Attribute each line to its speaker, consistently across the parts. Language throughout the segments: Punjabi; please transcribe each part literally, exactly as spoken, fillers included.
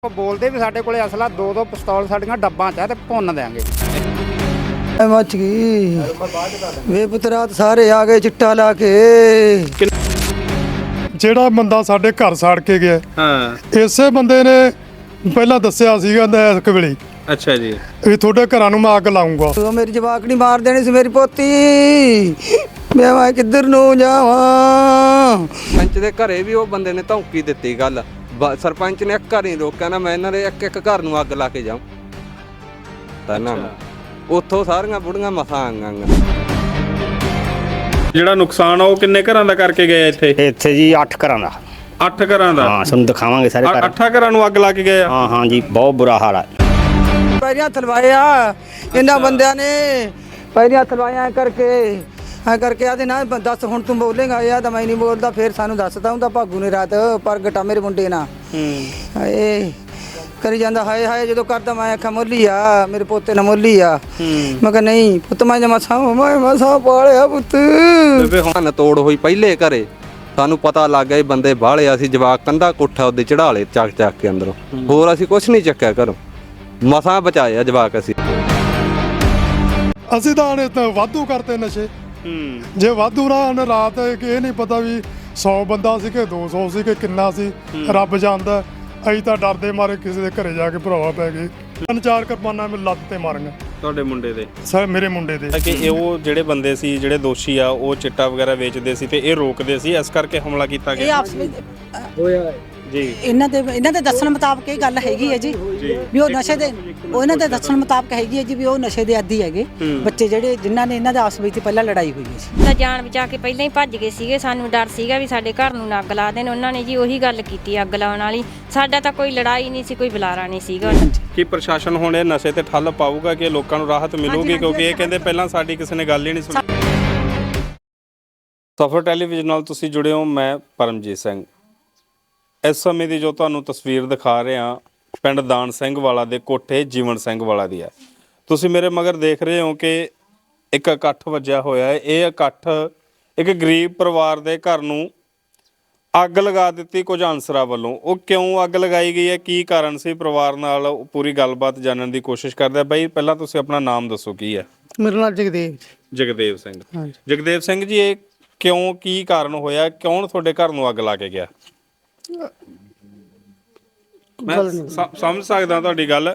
Speaker 1: ਬੋਲਦੇ ਵੀ ਸਾਡੇ ਕੋਲੇ ਅਸਲਾ ਦੋ ਦੋ ਪਿਸਤੌਲ ਸਾਡੀਆਂ ਡੱਬਾਂ 'ਚ ਆ ਤੇ ਭੁੰਨ ਦੇਾਂਗੇ।
Speaker 2: ਮੱਚ ਗਈ ਵੇ ਪੁੱਤਰਾਤ ਸਾਰੇ ਆ ਗਏ ਚਿੱਟਾ ਲਾ ਕੇ।
Speaker 3: ਜਿਹੜਾ ਬੰਦਾ ਸਾਡੇ ਘਰ ਸਾੜ ਕੇ ਗਿਆ
Speaker 4: ਹਾਂ
Speaker 3: ਇਸੇ ਬੰਦੇ ਨੇ ਪਹਿਲਾਂ ਦੱਸਿਆ ਸੀਗਾ ਇਸ ਕਵੇਲੇ
Speaker 4: ਅੱਛਾ ਜੀ
Speaker 3: ਵੀ ਤੁਹਾਡੇ ਘਰਾਂ ਨੂੰ ਮੈਂ ਅੱਗ ਲਾਉਂਗਾ।
Speaker 2: ਤੂੰ ਮੇਰੀ ਜਵਾਕੜੀ ਮਾਰ ਦੇਣੀ ਸੀ ਮੇਰੀ ਪੋਤੀ। ਮੈਂ ਮੈਂ ਕਿੱਧਰ ਨੂੰ ਜਾਵਾਂ।
Speaker 5: ਪੰਚ ਦੇ ਘਰੇ ਵੀ ਉਹ ਬੰਦੇ ਨੇ ਧੌਂਕੀ ਦਿੱਤੀ ਗੱਲ। ਸਰਪੰਚ ਨੇ ਇੱਕ ਘਰ ਨਹੀਂ ਰੋਕਿਆ ਨਾ ਮੈਂ ਇਹਨਾਂ ਦੇ ਇੱਕ ਇੱਕ ਘਰ ਨੂੰ ਅੱਗ ਲਾ ਕੇ ਜਾਉਂ ਤਾਂ ਨਾ ਉੱਥੋਂ ਸਾਰੀਆਂ ਬੁੜੀਆਂ ਮਸਾਂ ਆਈਆਂ।
Speaker 4: ਜਿਹੜਾ ਨੁਕਸਾਨ ਆ ਉਹ ਕਿੰਨੇ ਘਰਾਂ ਦਾ ਕਰਕੇ ਗਏ ਇੱਥੇ?
Speaker 6: ਇੱਥੇ ਜੀ ਅੱਠ ਘਰਾਂ ਦਾ।
Speaker 4: ਅੱਠ ਘਰਾਂ ਦਾ?
Speaker 6: ਹਾਂ ਤੁਹਾਨੂੰ ਦਿਖਾਵਾਂਗੇ ਸਾਰੇ ਘਰ।
Speaker 4: ਅੱਠਾਂ ਘਰਾਂ ਨੂੰ ਅੱਗ ਲਾ ਕੇ ਗਏ ਆ?
Speaker 6: ਹਾਂ ਹਾਂ ਜੀ ਬਹੁਤ ਬੁਰਾ ਹਾਲ ਆ।
Speaker 2: ਪੈਰੀਆਂ ਥਲਵਾਇਆ ਇਹਨਾਂ ਬੰਦਿਆਂ ਨੇ ਪੈਰੀਆਂ ਥਲਵਾਇਆ ਕਰਕੇ ਐ ਕਰਕੇ ਆਦੇ ਨਾ ਦੱਸ ਹੁਣ ਤੂੰ ਬੋਲੇਗਾ ਯਾਰ ਤਾਂ ਮੈਂ ਨਹੀਂ ਬੋਲਦਾ। ਫਿਰ ਸਾਨੂੰ ਦੱਸਦਾ ਹੁੰਦਾ ਭਾਗੂ ਨੇ ਰਾਤ ਪ੍ਰਗਟਾ ਮੇਰੇ ਮੁੰਡੇ ਨਾਲ
Speaker 4: ਹੂੰ
Speaker 2: ਹਾਏ ਕਰੀ ਜਾਂਦਾ ਹਾਏ ਹਾਏ ਜਦੋਂ ਕਰਦਾ ਮੈਂ ਆਖਾਂ ਮੋਲੀ ਆ ਮੇਰੇ ਪੋਤੇ ਨਾਲ ਮੋਲੀ ਆ। ਮੈਂ ਕਿਹਾ ਨਹੀਂ ਪੁੱਤ ਮੈਂ ਮਸਾਂ ਮੈਂ ਮਸਾਂ ਪਾਲਿਆ ਪੁੱਤ।
Speaker 5: ਬੇਬੇ ਹੁਣ ਤੋੜ ਹੋਈ ਪਹਿਲੇ ਘਰੇ ਸਾਨੂੰ ਪਤਾ ਲੱਗ ਗਿਆ ਇਹ ਬੰਦੇ ਬਾਹਲੇ। ਅਸੀਂ ਜਵਾਕ ਕੰਧਾ ਕੋਠਾ ਉਹਦੇ ਚੜਾ ਲਏ ਚੱਕ ਚੱਕ ਕੇ ਅੰਦਰੋਂ। ਹੋਰ ਅਸੀਂ ਕੁਝ ਨਹੀਂ ਚੱਕਿਆ ਘਰੋਂ ਮਸਾਂ ਬਚਾਇਆ ਜਵਾਕ ਅਸੀਂ।
Speaker 3: ਅਸੀਂ ਤਾਂ ਹਣੇ ਤਾਂ ਵਾਧੂ ਕਰਤੇ ਨਸ਼ੇ। ਜੇ ਵਾਧੂ ਨਾ ਰਾਤ ਇਹ ਨਹੀਂ ਪਤਾ ਵੀ ਸੌ ਬੰਦਾ ਸੀ ਕਿ ਦੋ ਸੌ ਸੀ ਕਿ ਕਿੰਨਾ ਸੀ ਰੱਬ ਜਾਣਦਾ। ਅਸੀਂ ਤਾਂ ਡਰਦੇ ਮਾਰੇ ਕਿਸੇ ਦੇ ਘਰੇ ਜਾ ਕੇ ਭਰਾਵਾ ਪੈ ਗਏ। ਤਿੰਨ ਚਾਰ ਕਿਰਪਾਨਾਂ ਮੇਰੇ ਲੱਤ ਤੇ ਮਾਰੀਆਂ
Speaker 4: ਤੁਹਾਡੇ ਮੁੰਡੇ ਦੇ?
Speaker 3: ਸਰ ਮੇਰੇ ਮੁੰਡੇ ਦੇ।
Speaker 4: ਕਿ ਇਹ ਉਹ ਜਿਹੜੇ ਬੰਦੇ ਸੀ ਜਿਹੜੇ ਦੋਸ਼ੀ ਆ ਉਹ ਚਿੱਟਾ ਵਗੈਰਾ ਵੇਚਦੇ ਸੀ ਤੇ ਇਹ ਰੋਕਦੇ ਸੀ ਇਸ ਕਰਕੇ ਹਮਲਾ ਕੀਤਾ ਗਿਆ।
Speaker 7: ਇਹ ਆਪਸ ਵਿੱਚ
Speaker 4: ਹੋਇਆ ਜੀ
Speaker 7: ਇਹਨਾਂ ਦੇ ਇਹਨਾਂ ਦੇ ਦੱਸਣ ਮੁਤਾਬਕ ਇਹ ਗੱਲ ਹੈਗੀ ਹੈ ਜੀ ਵੀ ਉਹ ਨਸ਼ੇ ਦੇ ਉਹ ਇਹਨਾਂ ਦੇ ਦੱਸਣ ਮੁਤਾਬਕ ਹੈਗੀ ਹੈ ਜੀ ਵੀ ਉਹ ਨਸ਼ੇ ਦੇ ਆਦੀ ਹੈਗੇ ਬੱਚੇ ਜਿਹੜੇ ਜਿਨ੍ਹਾਂ ਨੇ ਇਹਨਾਂ ਦੇ ਆਪਸ ਵਿੱਚ ਪਹਿਲਾਂ ਲੜਾਈ ਹੋਈ ਸੀ।
Speaker 8: ਤਾਂ ਜਾਨ ਬਚਾ ਕੇ ਪਹਿਲਾਂ ਹੀ ਭੱਜ ਗਏ ਸੀਗੇ। ਸਾਨੂੰ ਡਰ ਸੀਗਾ ਵੀ ਸਾਡੇ ਘਰ ਨੂੰ ਨਾ ਅੱਗ ਲਾ ਦੇਣ। ਉਹਨਾਂ ਨੇ ਜੀ ਉਹੀ ਗੱਲ ਕੀਤੀ ਅੱਗ ਲਾਉਣ ਵਾਲੀ। ਸਾਡਾ ਤਾਂ ਕੋਈ ਲੜਾਈ ਨਹੀਂ ਸੀ ਕੋਈ ਬੁਲਾਰਾ ਨਹੀਂ ਸੀਗਾ।
Speaker 4: ਕੀ ਪ੍ਰਸ਼ਾਸਨ ਹੁਣ ਇਹ ਨਸ਼ੇ ਤੇ ਠੱਲ ਪਾਊਗਾ ਕਿ ਲੋਕਾਂ ਨੂੰ ਰਾਹਤ ਮਿਲੂਗੀ? ਕਿਉਂਕਿ ਇਹ ਕਹਿੰਦੇ ਪਹਿਲਾਂ ਸਾਡੀ ਕਿਸੇ ਨੇ ਗੱਲ ਹੀ ਨਹੀਂ ਸੁਣੀ। ਸਫਰ ਟੈਲੀਵਿਜ਼ਨ ਨਾਲ ਤੁਸੀਂ ਜੁੜੇ ਹੋ। ਮੈਂ ਪਰਮਜੀਤ ਸਿੰਘ। ਇਸ ਸਮੇਂ ਦੀ ਜੋ ਤੁਹਾਨੂੰ ਤਸਵੀਰ ਦਿਖਾ ਰਿਹਾ ਪਿੰਡ ਦਾਨ ਸਿੰਘ ਵਾਲਾ ਦੇ ਕੋਠੇ ਜੀਵਨ ਸਿੰਘ ਵਾਲਾ ਦੀ ਹੈ। ਤੁਸੀਂ ਮੇਰੇ ਮਗਰ ਦੇਖ ਰਹੇ ਹੋ ਕਿ ਇੱਕ ਇਕੱਠ ਵੱਜਿਆ ਹੋਇਆ ਹੈ। ਇਹ ਇਕੱਠ ਇੱਕ ਗਰੀਬ ਪਰਿਵਾਰ ਦੇ ਘਰ ਨੂੰ ਅੱਗ ਲਗਾ ਦਿੱਤੀ ਕੁਝ ਅਨਸਰਾਂ ਵੱਲੋਂ। ਉਹ ਕਿਉਂ ਅੱਗ ਲਗਾਈ ਗਈ ਹੈ, ਕੀ ਕਾਰਨ ਸੀ, ਪਰਿਵਾਰ ਨਾਲ ਪੂਰੀ ਗੱਲਬਾਤ ਜਾਣਨ ਦੀ ਕੋਸ਼ਿਸ਼ ਕਰਦੇ ਆ। ਬਾਈ ਪਹਿਲਾਂ ਤੁਸੀਂ ਆਪਣਾ ਨਾਮ ਦੱਸੋ ਕੀ ਹੈ?
Speaker 2: ਮੇਰਾ ਨਾਮ ਜਗਦੇਵ
Speaker 4: ਜਗਦੇਵ ਸਿੰਘ। ਜਗਦੇਵ ਸਿੰਘ ਜੀ ਇਹ ਕਿਉਂ ਕੀ ਕਾਰਨ ਹੋਇਆ, ਕੌਣ ਤੁਹਾਡੇ ਘਰ ਨੂੰ ਅੱਗ ਲਾ ਕੇ ਗਿਆ? ਮੈਂ ਸਮਝ ਸਕਦਾ ਤੁਹਾਡੀ ਗੱਲ।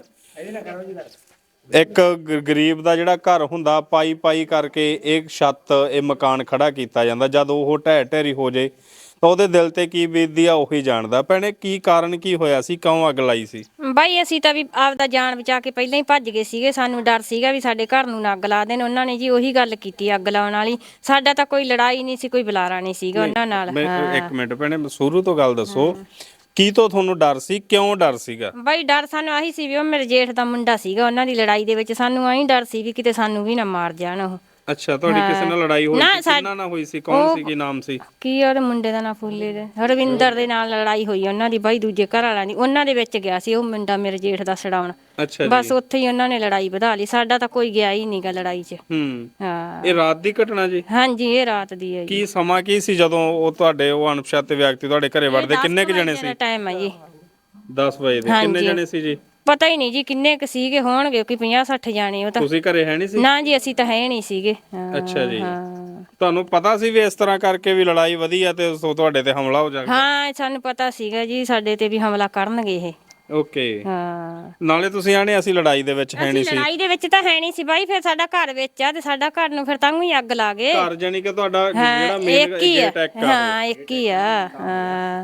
Speaker 4: ਇੱਕ ਗਰੀਬ ਦਾ ਜਿਹੜਾ ਘਰ ਹੁੰਦਾ ਪਾਈ ਪਾਈ ਕਰਕੇ ਇਹ ਛੱਤ ਇਹ ਮਕਾਨ ਖੜਾ ਕੀਤਾ ਜਾਂਦਾ। ਜਦ ਉਹ ਢਹਿ ਢੇਰੀ ਹੋ ਜੇ ਤਾਂ ਉਹਦੇ ਦਿਲ ਤੇ ਕੀ ਬੀਤਦੀ ਆ ਉਹੀ ਜਾਣਦਾ। ਭੈਣੇ ਕੀ ਕਾਰਨ ਕੀ ਹੋਇਆ ਸੀ, ਕਿਉਂ ਅੱਗ ਲਾਈ ਸੀ?
Speaker 8: ਬਾਈ ਅਸੀਂ ਤਾਂ ਵੀ ਆਪਦਾ ਜਾਨ ਬਚਾ ਕੇ ਪਹਿਲਾਂ ਹੀ ਭੱਜ ਗਏ ਸੀਗੇ। ਸਾਨੂੰ ਡਰ ਸੀਗਾ ਵੀ ਸਾਡੇ ਘਰ ਨੂੰ ਨਾ ਅੱਗ ਲਾ ਦੇਣ। ਉਹਨਾਂ ਨੇ ਜੀ ਉਹੀ ਗੱਲ ਕੀਤੀ ਅੱਗ ਲਾਉਣ ਵਾਲੀ। ਸਾਡਾ ਤਾਂ ਕੋਈ ਲੜਾਈ ਨਹੀਂ ਸੀ ਕੋਈ ਬੁਲਾਰਾ ਨਹੀਂ ਸੀਗਾ ਉਹਨਾਂ ਨਾਲ।
Speaker 4: ਇੱਕ ਮਿੰਟ ਭੈਣੇ ਸ਼ੁਰੂ ਤੋਂ ਗੱਲ ਦੱਸੋ, ਕੀ ਤੋਂ ਤੁਹਾਨੂੰ ਡਰ ਸੀ, ਕਿਉਂ ਡਰ ਸੀਗਾ?
Speaker 8: ਬਾਈ ਡਰ ਸਾਨੂੰ ਆਹੀ ਸੀ ਵੀ ਉਹ ਮੇਰੇ ਜੇਠ ਦਾ ਮੁੰਡਾ ਸੀਗਾ। ਉਹਨਾਂ ਦੀ ਲੜਾਈ ਦੇ ਵਿੱਚ ਸਾਨੂੰ ਆਹੀ ਡਰ ਸੀ ਵੀ ਕਿਤੇ ਸਾਨੂੰ ਵੀ ਨਾ ਮਾਰ ਜਾਣ ਉਹ।
Speaker 4: ਅੱਛਾ ਤੁਹਾਡੀ ਕਿਸੇ ਨਾਲ ਲੜਾਈ ਹੋਈ ਸੀ? ਕਿੰਨਾ ਨਾਲ ਹੋਈ ਸੀ, ਕੌਣ ਸੀ, ਕੀ ਨਾਮ ਸੀ? ਕੀ
Speaker 8: ਉਹਦੇ ਮੁੰਡੇ ਦਾ ਨਾਂ ਫੁੱਲੇ ਦੇ ਹਰਵਿੰਦਰ ਦੇ ਨਾਲ ਲੜਾਈ ਹੋਈ ਉਹਨਾਂ ਦੀ ਬਾਈ ਦੂਜੇ ਘਰ ਵਾਲਿਆਂ ਦੀ। ਉਹਨਾਂ ਦੇ ਵਿੱਚ ਗਿਆ ਸੀ ਉਹ ਮੁੰਡਾ ਮੇਰੇ ਜੇਠ ਦਾ ਛਡਾਉਣ।
Speaker 4: ਅੱਛਾ
Speaker 8: ਬਸ ਉੱਥੇ ਹੀ ਉਹਨਾਂ ਨੇ ਲੜਾਈ ਵਧਾ ਲਈ। ਸਾਡਾ ਤਾਂ ਕੋਈ ਗਿਆ ਹੀ ਨਹੀਂਗਾ ਲੜਾਈ 'ਚ।
Speaker 4: ਹੂੰ
Speaker 8: ਹਾਂ
Speaker 4: ਇਹ ਰਾਤ ਦੀ ਘਟਨਾ ਜੀ?
Speaker 8: ਹਾਂਜੀ ਇਹ ਰਾਤ ਦੀ ਹੈ ਜੀ।
Speaker 4: ਕੀ ਸਮਾਂ ਕੀ ਸੀ ਜਦੋਂ ਉਹ ਤੁਹਾਡੇ ਉਹ ਅਣਪਛਾਤੇ ਵਿਅਕਤੀ ਤੁਹਾਡੇ ਘਰੇ ਵੜਦੇ? ਕਿੰਨੇ ਕੁ ਜਣੇ ਸੀ?
Speaker 8: ਟਾਈਮ ਹੈ ਜੀ
Speaker 4: ਦਸ ਵਜੇ ਦੇ। ਕਿੰਨੇ ਜਣੇ ਸੀ ਜੀ?
Speaker 8: ਪਤਾ ਹੀ ਨਹੀਂ ਜੀ ਕਿੰਨੇ ਕੁ ਸੀਗੇ, ਹੋਣਗੇ ਕਿ ਪੰਜਾਹ ਸੱਠ ਜਾਣੇ। ਉਹ ਤਾਂ
Speaker 4: ਤੁਸੀਂ ਘਰੇ ਹੈ ਨਹੀਂ ਸੀ?
Speaker 8: ਨਾ ਜੀ ਅਸੀਂ ਤਾਂ ਹੈ ਨਹੀਂ ਸੀਗੇ।
Speaker 4: ਅੱਛਾ ਜੀ। ਤੁਹਾਨੂੰ ਪਤਾ ਸੀ ਵੀ ਇਸ ਤਰ੍ਹਾਂ ਕਰਕੇ ਵੀ ਲੜਾਈ ਵਧੀ ਆ ਤੇ ਤੁਹਾਡੇ ਤੇ ਹਮਲਾ ਹੋ ਜਾਊਗਾ?
Speaker 8: ਹਾਂ ਸਾਨੂੰ ਪਤਾ ਸੀਗਾ ਜੀ ਸਾਡੇ ਤੇ ਵੀ ਹਮਲਾ ਕਰਨਗੇ ਇਹ।
Speaker 4: ਓਕੇ।
Speaker 8: ਹਾਂ
Speaker 4: ਨਾਲੇ ਤੁਸੀਂ ਆਣੇ ਅਸੀਂ ਲੜਾਈ ਦੇ ਵਿੱਚ ਹੈ ਨਹੀਂ ਸੀ?
Speaker 8: ਲੜਾਈ ਦੇ ਵਿੱਚ ਤਾਂ ਹੈ ਨਹੀਂ ਸੀ ਬਾਈ। ਫਿਰ ਸਾਡਾ ਘਰ ਵਿੱਚ ਆ ਤੇ ਸਾਡਾ ਘਰ ਨੂੰ ਫਿਰ ਤਾਂ ਹੀ ਅੱਗ ਲਾ ਗਏ।
Speaker 4: ਘਰ ਜਾਨੀ ਕਿ ਤੁਹਾਡਾ ਜਿਹੜਾ ਮੇਨ ਅਟੈਕ ਆ?
Speaker 8: ਹਾਂ ਇੱਕ ਹੀ ਆ। ਹਾਂ